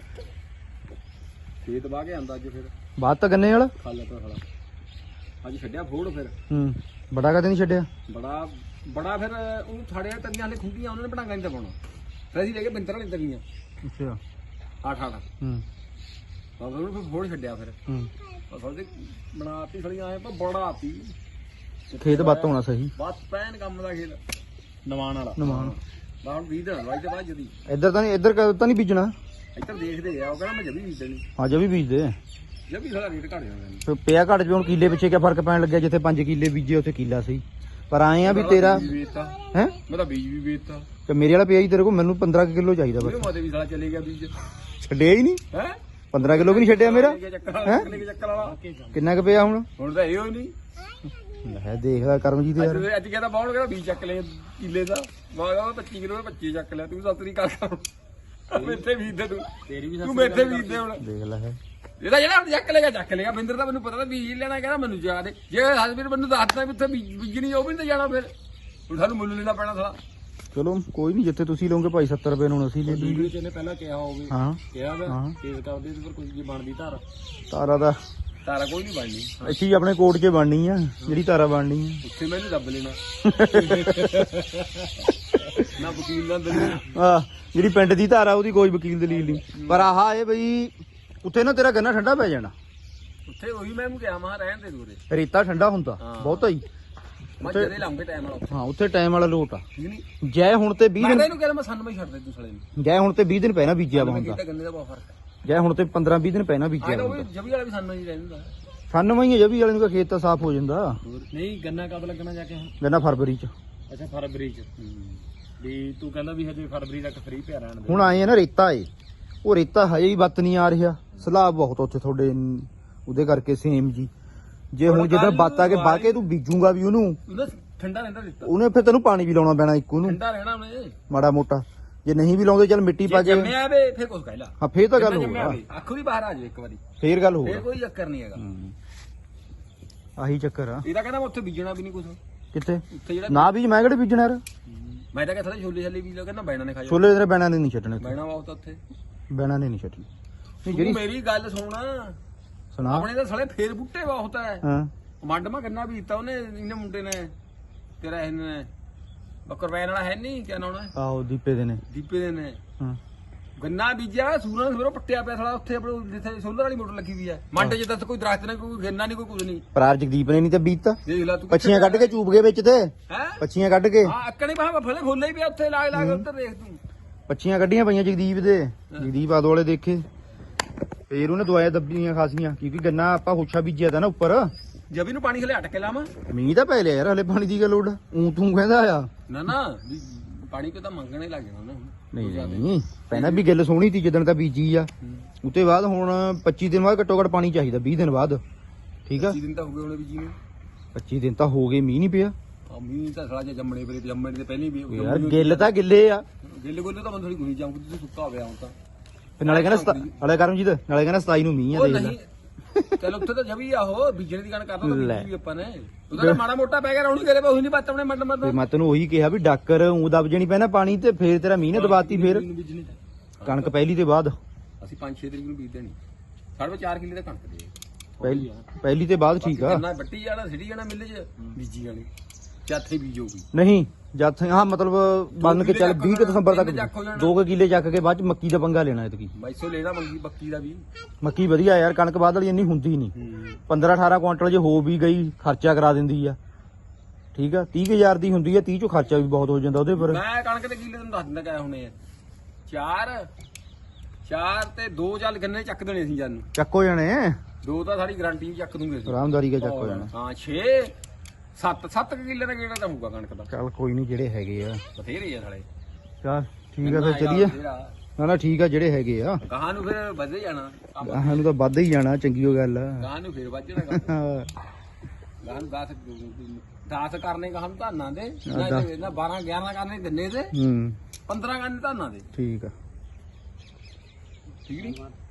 [SPEAKER 3] ਖੇਤ ਵਾਹ ਕੇ ਆਂਦਾ ਅੱਜ ਫਿਰ
[SPEAKER 1] ਬਾਅਦ ਤਾਂ ਗੰਨੇ ਵਾਲਾ
[SPEAKER 3] ਖਾਲਾ ਤਾਂ ਖੜਾ ਅੱਜ ਛੱਡਿਆ ਫੋੜ ਫਿਰ
[SPEAKER 1] ਹੂੰ ਬੜਾ ਕਦੇ ਨਹੀਂ ਛੱਡਿਆ
[SPEAKER 3] ਬੜਾ ਫਿਰ ਉਹਨੂੰ ਥਾੜਿਆ ਤੰਗੀਆਂ ਹਲੇ ਖੁੰਡੀਆਂ ਉਹਨਾਂ ਨੇ ਬਣਾਗਾ ਨਹੀਂ ਤਾਂ ਪਾਉਣਾ ਫਿਰ ਅਸੀਂ ਲੈ ਕੇ ਬਿੰਦਰ ਵਾਲੇ ਤੰਗੀਆਂ
[SPEAKER 1] ਅੱਛਾ
[SPEAKER 3] 8
[SPEAKER 1] ਹੂੰ
[SPEAKER 3] ਬਾਬਾ ਨੂੰ ਫਿਰ ਫੋੜ ਛੱਡਿਆ ਫਿਰ
[SPEAKER 1] ਹੂੰ
[SPEAKER 3] ਅਸਲ ਤੇ ਬਣਾਤੀ ਸੜੀਆਂ ਆਏ ਪਰ ਬੜਾ ਆਤੀ
[SPEAKER 1] ਖੇਤ ਬੱਤ ਹੋਣਾ ਸਹੀ
[SPEAKER 3] ਬਸ ਪੈਨ ਕੰਮ ਦਾ ਖੇਤ ਨਵਾਨ ਵਾਲਾ
[SPEAKER 1] ਨਮਾਨ
[SPEAKER 3] ਬਾਹਰ 20 ਦਿਨ ਵਾਈ ਤੇ ਬਾਅਦ ਜਦੀ
[SPEAKER 1] ਇੱਧਰ ਤਾਂ ਨਹੀਂ ਇੱਧਰ ਤਾਂ ਨਹੀਂ ਬੀਜਣਾ
[SPEAKER 3] ਇੱਧਰ ਦੇਖਦੇ ਆ ਉਹ ਕਹਿੰਦਾ ਮੈਂ ਜਬੀ ਬੀਜ ਦੇਣੀ
[SPEAKER 1] ਹਾਂ ਜੇ ਵੀ ਬੀਜਦੇ
[SPEAKER 3] ਜਬੀ ਸਾਡਾ ਰੇਟ ਘਟ ਜਾਂਦਾ ਨਹੀਂ
[SPEAKER 1] ਫਿਰ ਪਿਆ ਘੱਟ ਵੀ ਹੁਣ ਕਿੱਲੇ ਪਿੱਛੇ ਕਿਆ ਫਰਕ ਪੈਣ ਲੱਗਿਆ ਜਿੱਥੇ 5 ਕਿੱਲੇ ਬੀਜੇ ਉੱਥੇ ਕਿੱਲਾ ਸਹੀ ਪਰ ਆਏ ਆ ਵੀ ਤੇਰਾ ਹੈ
[SPEAKER 3] ਮੈਂ ਤਾਂ ਬੀਜ ਵੀ ਵੇਚਤਾ
[SPEAKER 1] ਤੇ ਮੇਰੇ ਵਾਲਾ ਪਿਆ ਹੀ ਤੇਰੇ ਕੋਲ ਮੈਨੂੰ 15 ਕਿਲੋ ਚਾਹੀਦਾ ਬਸ
[SPEAKER 3] ਉਹਦੇ ਮਾਤੇ ਵੀ ਸਾਲਾ ਚਲੇ ਗਿਆ ਬੀਜ
[SPEAKER 1] ਛੱਡਿਆ ਹੀ ਨਹੀਂ
[SPEAKER 3] ਹੈ
[SPEAKER 1] 15 ਕਿਲੋ ਵੀ ਨਹੀਂ ਛੱਡਿਆ ਮੇਰਾ
[SPEAKER 3] ਹੈਂ ਚੱਕਰ ਵਾਲਾ
[SPEAKER 1] ਕਿੰਨਾ ਕੁ ਪਿਆ ਹੁਣ
[SPEAKER 3] ਹੁਣ ਤਾਂ ਇਹੋ ਹੀ ਨਹੀਂ
[SPEAKER 1] ਲੈ ਦੇਖਦਾ ਕਰਮਜੀਤ ਯਾਰ
[SPEAKER 3] ਅੱਜ ਕਹਿੰਦਾ ਬਾਹਣ ਕਹਿੰਦਾ ਬੀਜ ਚੱਕ ਲੈ ਕਿੱਲੇ ਦਾ ਮੈਂ ਕਿਹਾ 25 ਕਿਲੋ 25 ਚੱਕ ਲਿਆ ਤੂੰ ਸਤਰੀ ਕਰ ਮੇਥੇ ਬੀਜ ਦੇ ਤੂੰ ਤੇਰੀ ਵੀ ਤੂੰ ਮੇਥੇ ਬੀਜ ਦੇ ਹੁਣ
[SPEAKER 1] ਦੇਖ ਲੈ
[SPEAKER 3] ਇਹਦਾ ਜਿਹੜਾ ਹੁਣ ਚੱਕ ਲੇਗਾ ਬਿੰਦਰ ਦਾ ਮੈਨੂੰ ਪਤਾ ਤਾਂ ਬੀਜ ਲੈਣਾ ਕਹਿੰਦਾ ਮੈਨੂੰ ਜਾ ਦੇ ਜੇ ਹਸਬੀਰ ਮੈਨੂੰ ਦੱਸਦਾ ਵੀ ਉੱਥੇ ਬੀਜਣੀ ਉਹ ਵੀ ਨਹੀਂ ਜਾਣਾ ਫਿਰ ਹੁਣ ਸਾਨੂੰ ਮੁੱਲ ਲੈਣਾ ਪੈਣਾ ਸਾਲਾ
[SPEAKER 1] ਚਲੋ ਕੋਈ ਨਹੀਂ ਜਿੱਥੇ ਤੁਸੀਂ ਲਓਗੇ ਭਾਈ 70 ਰੁਪਏ ਨੂੰ ਅਸੀਂ ਲੈ ਲਈਏ
[SPEAKER 3] ਵੀਡੀਓ ਚ ਇਹਨੇ ਪਹਿਲਾਂ ਕਿਹਾ ਹੋਵੇ
[SPEAKER 1] ਹਾਂ
[SPEAKER 3] ਕਿਹਾ ਵਾ
[SPEAKER 1] ਹਾਂ।
[SPEAKER 3] ਕੇਸ ਕਰਦੇ ਤੇ ਫਿਰ ਕੁਝ ਜੀ ਬਣਦੀ ਧਾਰ
[SPEAKER 1] ਤਾਰਾ ਦਾ
[SPEAKER 3] ਧਾਰਾ ਕੋਈ ਨਹੀਂ ਬਣਨੀ
[SPEAKER 1] ਇੱਥੇ ਹੀ ਆਪਣੇ ਕੋਟ 'ਚ ਬਣਨੀ ਆ ਜਿਹੜੀ ਤਾਰਾ ਬਣਨੀ ਆ
[SPEAKER 3] ਉੱਥੇ ਮੈਨੂੰ ਦੱਬ ਲੈਣਾ ਨਾ ਵਕੀਲ ਨਾ ਦਲੀਲ
[SPEAKER 1] ਆ ਜਿਹੜੀ ਪਿੰਡ ਦੀ ਧਾਰਾ ਉਹਦੀ ਕੋਈ ਵਕੀਲ ਦਲੀਲ ਨਹੀਂ ਪਰ ਆਹ ਇਹ ਬਈ ਉੱਥੇ ਨਾ ਤੇਰਾ ਗੰਨਾ ਠੰਡਾ ਪੈ ਜਾਣਾ
[SPEAKER 3] ਉੱਥੇ ਉਹੀ ਮੈਂ ਨੂੰ ਕਿਹਾ ਮਾਂ ਰਹਿਣ ਦੇ ਦੂਰੇ
[SPEAKER 1] ਰੇਤਾ ਠੰਡਾ ਹੁੰਦਾ
[SPEAKER 3] ਹਾਂ।
[SPEAKER 1] ਬਹੁਤਾ ਹੀ
[SPEAKER 3] ਮੈਂ ਜਦੇ ਲਾਉਂਗੇ ਟਾਈਮ ਵਾਲਾ
[SPEAKER 1] ਹਾਂ ਉੱਥੇ ਟਾਈਮ ਵਾਲਾ ਲੋਟ ਆ
[SPEAKER 3] ਠੀਕ ਨਹੀਂ
[SPEAKER 1] ਜੈ ਹੁਣ ਤੇ 20
[SPEAKER 3] ਮੈਂ
[SPEAKER 1] ਦਿਨ
[SPEAKER 3] ਤਾਂ ਇਹਨੂੰ ਕਹਿੰਦਾ ਮੈਂ ਸਾਨੂੰ ਮੈਂ ਛੱਡ ਦੇ ਤੂੰ ਸਾਲੇ ਨੂੰ
[SPEAKER 1] ਜੈ ਹੁਣ ਤੇ 20 ਦਿਨ ਪਹਿਲਾਂ ਬੀਜਿਆ ਵਾ
[SPEAKER 3] ਮੈਂ
[SPEAKER 1] ਹੁੰਦਾ
[SPEAKER 3] ਕੀਤਾ ਗੰਨੇ ਦਾ ਬਹੁਤ ਫਰਕ ਹੈ
[SPEAKER 1] ਜੈ ਹੁਣ ਤੇ 15-20 ਦਿਨ ਪਹਿਲਾਂ
[SPEAKER 3] ਆਹ
[SPEAKER 1] ਬੀਜਿਆ
[SPEAKER 3] ਤਾਂ
[SPEAKER 1] ਵਾ
[SPEAKER 3] ਉਹ ਜਬੀ ਵਾਲਾ ਵੀ ਸਾਨੂੰ ਹੀ ਰਹਿੰਦਾ
[SPEAKER 1] 98 ਹੀ ਜਬੀ ਵਾਲੇ ਨੂੰ ਤਾਂ ਖੇਤ ਤਾਂ ਸਾਫ਼ ਹੋ ਜਾਂਦਾ।
[SPEAKER 3] ਨਹੀਂ ਗੰਨਾ ਕਦ ਲੱਗਣਾ ਜਾ ਕੇ ਹੁਣ?
[SPEAKER 1] ਗੰਨਾ ਫਰਵਰੀ ਚ।
[SPEAKER 3] ਅੱਛਾ ਫਰਵਰੀ ਚ ਵੀ ਤੂੰ ਕਹਿੰਦਾ ਵੀ ਹਜੇ ਫਰਵਰੀ ਤੱਕ ਫ੍ਰੀ ਪਿਆ ਰਹਿਣ ਦੇ।
[SPEAKER 1] ਹੁਣ ਆਏ ਆ ਨਾ ਰੇਤਾ ਏ, ਉਹ ਰੇਤਾ ਹਜੇ ਵੀ ਬੱਤ ਨਹੀਂ ਆ ਰਿਹਾ, ਸਲਾਬ ਬਹੁਤ ਉੱਥੇ ਤੁਹਾਡੇ ਉਹਦੇ ਕਰਕੇ ਸੇਮ ਜੀ। ਜੇ ਹੁਣ ਜਿੱਦਾਂ ਬੱਤ ਆ ਕੇ ਬਾਹ ਕੇ ਤੂੰ ਬੀਜੂਗਾ ਵੀ ਉਹਨੂੰ,
[SPEAKER 3] ਉਹਦਾ ਠੰਡਾ ਰਹਿੰਦਾ ਦਿੱਤਾ,
[SPEAKER 1] ਉਹਨੇ ਫਿਰ ਤੈਨੂੰ ਪਾਣੀ ਵੀ ਲਾਉਣਾ ਪੈਣਾ ਇੱਕ ਉਹਨੂੰ
[SPEAKER 3] ਠੰਡਾ ਰਹਿਣਾ ਉਹਨੇ।
[SPEAKER 1] ਮਾੜਾ ਮੋਟਾ, ਜੇ ਨਹੀਂ ਵੀ ਲਾਉਂਦੇ ਚੱਲ ਮਿੱਟੀ ਪਾ
[SPEAKER 3] ਜੇ
[SPEAKER 1] ਕੇ।
[SPEAKER 3] ਜੰਮਿਆ ਵੇ ਫੇਰ ਕੁਝ ਕਹਿ ਲਾ।
[SPEAKER 1] ਹਾਂ ਫੇਰ ਤਾਂ ਗੱਲ
[SPEAKER 3] ਜੰਮਿਆ
[SPEAKER 1] ਹੋਊਗਾ,
[SPEAKER 3] ਵੇ, ਅੱਖੋਂ ਦੀ ਬਾਹਰ ਆ ਜਾਵੇ ਇੱਕ ਵਾਰੀ,
[SPEAKER 1] ਫੇਰ ਗੱਲ
[SPEAKER 3] ਫੇਰ
[SPEAKER 1] ਹੋਊਗਾ।
[SPEAKER 3] ਕੋਈ ਚੱਕਰ ਨਹੀਂ ਹੈਗਾ।
[SPEAKER 1] ਆਹੀ ਚੱਕਰ ਆ।
[SPEAKER 3] ਇਹਦਾ ਕਹਿੰਦਾ ਮੈਂ ਉੱਥੇ ਬੀਜਣਾ ਵੀ ਨਹੀਂ ਕੁਝ,
[SPEAKER 1] ਕਿੱਥੇ
[SPEAKER 3] ਉੱਥੇ ਜਿਹੜਾ
[SPEAKER 1] ਨਾ ਬੀਜ, ਮੈਂ ਕਿਹੜੇ ਬੀਜਣਾ ਯਾਰ।
[SPEAKER 3] ਮੈਂ ਤਾਂ ਕਹਿੰਦਾ ਛੋਲੇ ਛੱਲੇ ਬੀਜ ਲਓ, ਕਹਿੰਦਾ ਬੈਣਾ ਨੇ ਖਾਇਆ।
[SPEAKER 1] ਛੋਲੇ ਤੇਰੇ ਬੈਣਾ ਨੇ ਨਹੀਂ ਛੱਡਣੇ,
[SPEAKER 3] ਬੈਣਾ ਬਹੁਤ ਉੱਥੇ,
[SPEAKER 1] ਬੈਣਾ ਨੇ ਨਹੀਂ ਛੱਡਣੀ।
[SPEAKER 3] ਤੂੰ
[SPEAKER 1] ਜਿਹੜੀ
[SPEAKER 3] ਮੇਰੀ ਗੱਲ ਸੁਣ,
[SPEAKER 1] ਸੁਣਾ।
[SPEAKER 3] ਆਪਣੇ ਤਾਂ ਸਾਲੇ ਫੇਰ ਬੁੱਟੇ ਬਹੁਤ ਹੈ।
[SPEAKER 1] ਹਾਂ
[SPEAKER 3] ਮੰਡਮਾ ਗੰਨਾ ਬੀਜਤਾ ਉਹਨੇ, ਇਹਨੇ ਮੁੰਡੇ ਨੇ, ਤੇਰਾ ਇਹਨੇ ਬੱਕਰਵੈਨ ਵਾਲਾ ਹੈ ਨਹੀਂ, ਕਿਆ ਨਾਮ ਹੈ,
[SPEAKER 1] ਆਹੋ ਦੀਪੇ ਦੇ ਨੇ।
[SPEAKER 3] ਦੀਪੇ ਦੇ ਨੇ
[SPEAKER 1] ਹਾਂ
[SPEAKER 3] ਗੰਨਾ ਬੀਜਿਆ, ਸੂਰਾਂ ਸਵੇਰੋਂ ਪੱਟਿਆ ਪਿਆ ਸਾਲਾ ਉੱਥੇ ਆਪਣੇ ਜਿੱਥੇ ਸੋਲਰ ਵਾਲੀ ਮੋਟਰ ਲੱਗੀ ਹੋਈ ਹੈ। ਮੰਡ ਚ ਦੱਸ ਕੋਈ ਦਰਖਤ ਨਹੀਂ, ਕੋਈ ਗੰਨਾ ਨਹੀਂ, ਕੋਈ ਕੁਝ ਨਹੀਂ।
[SPEAKER 1] ਪਰਾਰ ਜਗਦੀਪ ਨੇ ਨਹੀਂ ਤੇ ਬੀਜਤਾ,
[SPEAKER 3] ਦੇਖ ਲੈ ਤੂੰ
[SPEAKER 1] ਪੱਛੀਆਂ ਕੱਢ ਕੇ ਚੂਬ ਗਏ ਵਿੱਚ ਤੇ,
[SPEAKER 3] ਹੈ।
[SPEAKER 1] ਪੱਛੀਆਂ ਕੱਢ ਕੇ,
[SPEAKER 3] ਹਾਂ ਅੱਕਣੇ ਬਾਹਾਂ ਫਲੇ ਫੁੱਲੇ ਹੀ ਪਿਆ ਉੱਥੇ ਲਾਗ ਲਾਗ, ਉੱਧਰ ਦੇਖ ਤੂੰ।
[SPEAKER 1] ਪੱਛੀਆਂ ਕੱਢੀਆਂ ਪਈਆਂ ਜਗਦੀਪ ਦੇ, ਜਗਦੀਪ ਆਦੋ ਵਾਲੇ ਦੇਖੇ। ਫੇਰ ਉਹਨੇ ਦਵਾਈਆਂ ਦੱਬੀਆਂ ਖਾਸੀਆਂ, ਕਿਉਂਕਿ ਗੰਨਾ ਆਪਾਂ ਹੁੱਛਾ ਬੀਜਿਆ ਤਾ ਨਾ ਉੱਪਰ।
[SPEAKER 3] ਜਬੀ ਨੂੰ ਪਾਣੀ ਖਲੇ ਅਟਕ ਕੇ ਲਾਵਾਂ।
[SPEAKER 1] ਮੀਂਹ ਤਾਂ ਪੈ ਲਿਆ ਯਾਰ, ਹਲੇ ਪਾਣੀ ਦੀ ਗੱਲ ਲੋੜ ਤੂੰ ਕਹਿੰਦਾ ਆ।
[SPEAKER 3] ਨਾ ਵੀ ਪਾਣੀ ਤੇ ਤਾਂ ਮੰਗਣੇ ਲੱਗ ਜਾਣਾ ਉਹਨੇ।
[SPEAKER 1] ਨਹੀਂ ਪਹਿਲਾਂ ਵੀ ਗੱਲ ਸੋਹਣੀ ਸੀ ਜਦੋਂ ਤਾਂ ਬੀਜੀ ਆ, ਉਤੇ ਬਾਅਦ ਹੁਣ 25 ਦਿਨ ਬਾਅਦ ਘੱਟੋ ਘੱਟ ਪਾਣੀ ਚਾਹੀਦਾ, 20 ਦਿਨ ਬਾਅਦ। ਠੀਕ ਆ
[SPEAKER 3] 25 ਦਿਨ ਤਾਂ ਹੋ ਗਏ ਉਹਨੇ ਬੀਜੀ ਨੂੰ।
[SPEAKER 1] 25 ਦਿਨ ਤਾਂ ਹੋ ਗਏ, ਮੀਂਹ ਨਹੀਂ ਪਿਆ
[SPEAKER 3] ਆ ਮੀਂਹ ਤਾਂ ਸਾਲਾ ਜੇ ਜੰਮਣੇ ਵੇਲੇ ਤੇ ਜੰਮਣੇ ਦੇ ਪਹਿਲੇ ਵੀ
[SPEAKER 1] ਯਾਰ। ਗਿੱਲ ਤਾਂ ਗਿੱਲੇ ਆ,
[SPEAKER 3] ਗਿੱਲੇ ਗੋਲੇ ਤਾਂ ਬੰਦ ਥੋੜੀ ਗੁਣੀ ਜਾਊਂਗੀ, ਤੁਸੀਂ ਸੁੱਕਾ ਹੋ ਗਿਆ ਹੁਣ ਤਾਂ।
[SPEAKER 1] ਫਿਰ ਨਾਲੇ ਕਹਿੰਦਾ ਨਾਲੇ ਕਰਮਜੀਤ, ਨਾਲੇ ਕਹਿੰਦਾ 27 ਨੂੰ ਮੀਂਹ ਆ,
[SPEAKER 3] ਉਹ
[SPEAKER 1] ਦੇਖ ਲੈ।
[SPEAKER 3] ਨਹੀਂ ਚਲ ਉੱਥੇ ਤਾਂ ਜਬੀ ਆ, ਉਹ ਬੀਜਣ ਦੀ ਗੱਲ ਕਰਦਾ ਤਾਂ ਬੀਜੀ ਵੀ ਆਪਾਂ ਨੇ। ਉਹਦਾ ਮਾੜਾ ਮੋਟਾ ਪੈ ਗਿਆ, ਰੌਣੀ ਕਰੇ ਉਹੀ ਨਹੀਂ ਬਾਤ ਆਪਣੇ ਮੰਡ
[SPEAKER 1] ਤੇ
[SPEAKER 3] ਮਰਦਾ।
[SPEAKER 1] ਮੈਂ ਤੈਨੂੰ ਉਹੀ ਕਿਹਾ ਵੀ ਡਾਕਰ ਊਂ ਦਬ ਜਣੀ ਪੈਣਾ ਪਾਣੀ ਤੇ, ਫੇਰ ਤੇਰਾ ਮੀਂਹ ਨੇ ਦਬਾਤੀ, ਫੇਰ
[SPEAKER 3] ਬੀਜਣੀ
[SPEAKER 1] ਕਣਕ ਪਹਿਲੀ ਤੇ ਬਾਅਦ,
[SPEAKER 3] ਅਸੀਂ 5-6 ਤਰੀਕ ਨੂੰ ਬੀਜ ਦੇਣੀ। ਸਾਡੇ 4 ਕਿੱਲੇ ਦਾ ਕਣਕ ਦੇ
[SPEAKER 1] ਪਹਿਲੀ ਤੇ ਬਾਅਦ ਠੀਕ ਆ।
[SPEAKER 3] ਕਿੰਨਾ ਵੱਟੀ ਜਾਣਾ, ਸਿੱਟੀ ਜਾਣਾ ਮਿੱਲੇ 'ਚ ਬੀਜੀ ਜਾਣੀ, ਚਾਥੇ ਬੀਜੋਗੀ।
[SPEAKER 1] ਨਹੀਂ ਜਦ ਹਾਂ ਮਤਲਬ ਬੰਨ ਕੇ ਚੱਲ 20 ਦਸੰਬਰ ਤੱਕ 2 ਕਿੱਲੇ ਚੱਕ ਕੇ ਬਾਅਦ ਚ ਮੱਕੀ ਦਾ ਪੰਗਾ ਲੈਣਾ ਇਤਕੀ।
[SPEAKER 3] 2200 ਲੈਣਾ ਮੰਗੀ ਬੱਕੀ ਦਾ ਵੀ।
[SPEAKER 1] ਮੱਕੀ ਵਧੀਆ ਯਾਰ, ਕਣਕ ਬਾਅਦ ਵਾਲੀ ਇੰਨੀ ਹੁੰਦੀ ਨਹੀਂ। 15-18 ਕੁਆਂਟਲ ਜੇ ਹੋ ਵੀ ਗਈ ਖਰਚਾ ਕਰਾ ਦਿੰਦੀ ਆ। ਠੀਕ ਆ 30,000 ਦੀ ਹੁੰਦੀ ਆ, 30 ਚੋਂ ਖਰਚਾ ਵੀ ਬਹੁਤ ਹੋ ਜਾਂਦਾ ਉਹਦੇ ਪਰ।
[SPEAKER 3] ਮੈਂ ਕਣਕ ਦੇ ਕਿੱਲੇ ਤੈਨੂੰ ਦੱਸ ਦਿੰਦਾ ਕਿਆ ਹੋਣੇ ਆ। 4 ਤੇ 2 ਚੱਲ ਗੰਨੇ ਚੱਕ ਦੇਣੇ ਸੀ ਜਾਨੂੰ,
[SPEAKER 1] ਚੱਕ ਹੋ ਜਾਣੇ,
[SPEAKER 3] 2 ਤਾਂ ਸਾਡੀ ਗਾਰੰਟੀ ਚੱਕ ਦੂੰਗੇ ਅਸੀਂ।
[SPEAKER 1] ਆਰਾਮਦਾਰੀ ਕੇ ਚੱਕ ਹੋ ਜਾਣਾ।
[SPEAKER 3] ਹਾਂ 7 ਕਿੱਲੇ ਦਾ ਗੇੜਾ ਤਾਂ ਹੋਊਗਾ ਕਣਕ ਦਾ।
[SPEAKER 1] ਚੱਲ ਕੋਈ ਨਹੀਂ, ਜਿਹੜੇ ਹੈਗੇ ਆ
[SPEAKER 3] ਬਥੇਰੇ ਆ ਸਾਲੇ।
[SPEAKER 1] ਚੱਲ ਠੀਕ ਆ, ਫਿਰ ਚੱਲੀਏ। ਨਾ ਠੀਕ ਆ, ਜਿਹੜੇ ਹੈਗੇ ਆ
[SPEAKER 3] ਗਾਹਾਂ ਨੂੰ ਫਿਰ ਵਧੇ ਜਾਣਾ,
[SPEAKER 1] ਆਹਾਂ ਨੂੰ ਤਾਂ ਵੱਧ ਹੀ ਜਾਣਾ, ਚੰਗੀ ਉਹ ਗੱਲ ਆ।
[SPEAKER 3] ਗਾਹਾਂ ਨੂੰ ਫਿਰ ਵੱਧ ਜਾਣਾ। ਗਾਹਾਂ ਨੂੰ 10 ਕਰਨੇ ਗਾਹਾਂ ਨੂੰ ਧਾਨਾਂ ਦੇ, ਨਾ 12-11 ਕਰਨੇ ਗੰਨੇ ਦੇ, 15 ਕਰਨੇ ਧਾਨਾਂ ਦੇ।
[SPEAKER 1] ਠੀਕ ਆ।
[SPEAKER 3] ਠੀਕ ਨਹੀਂ।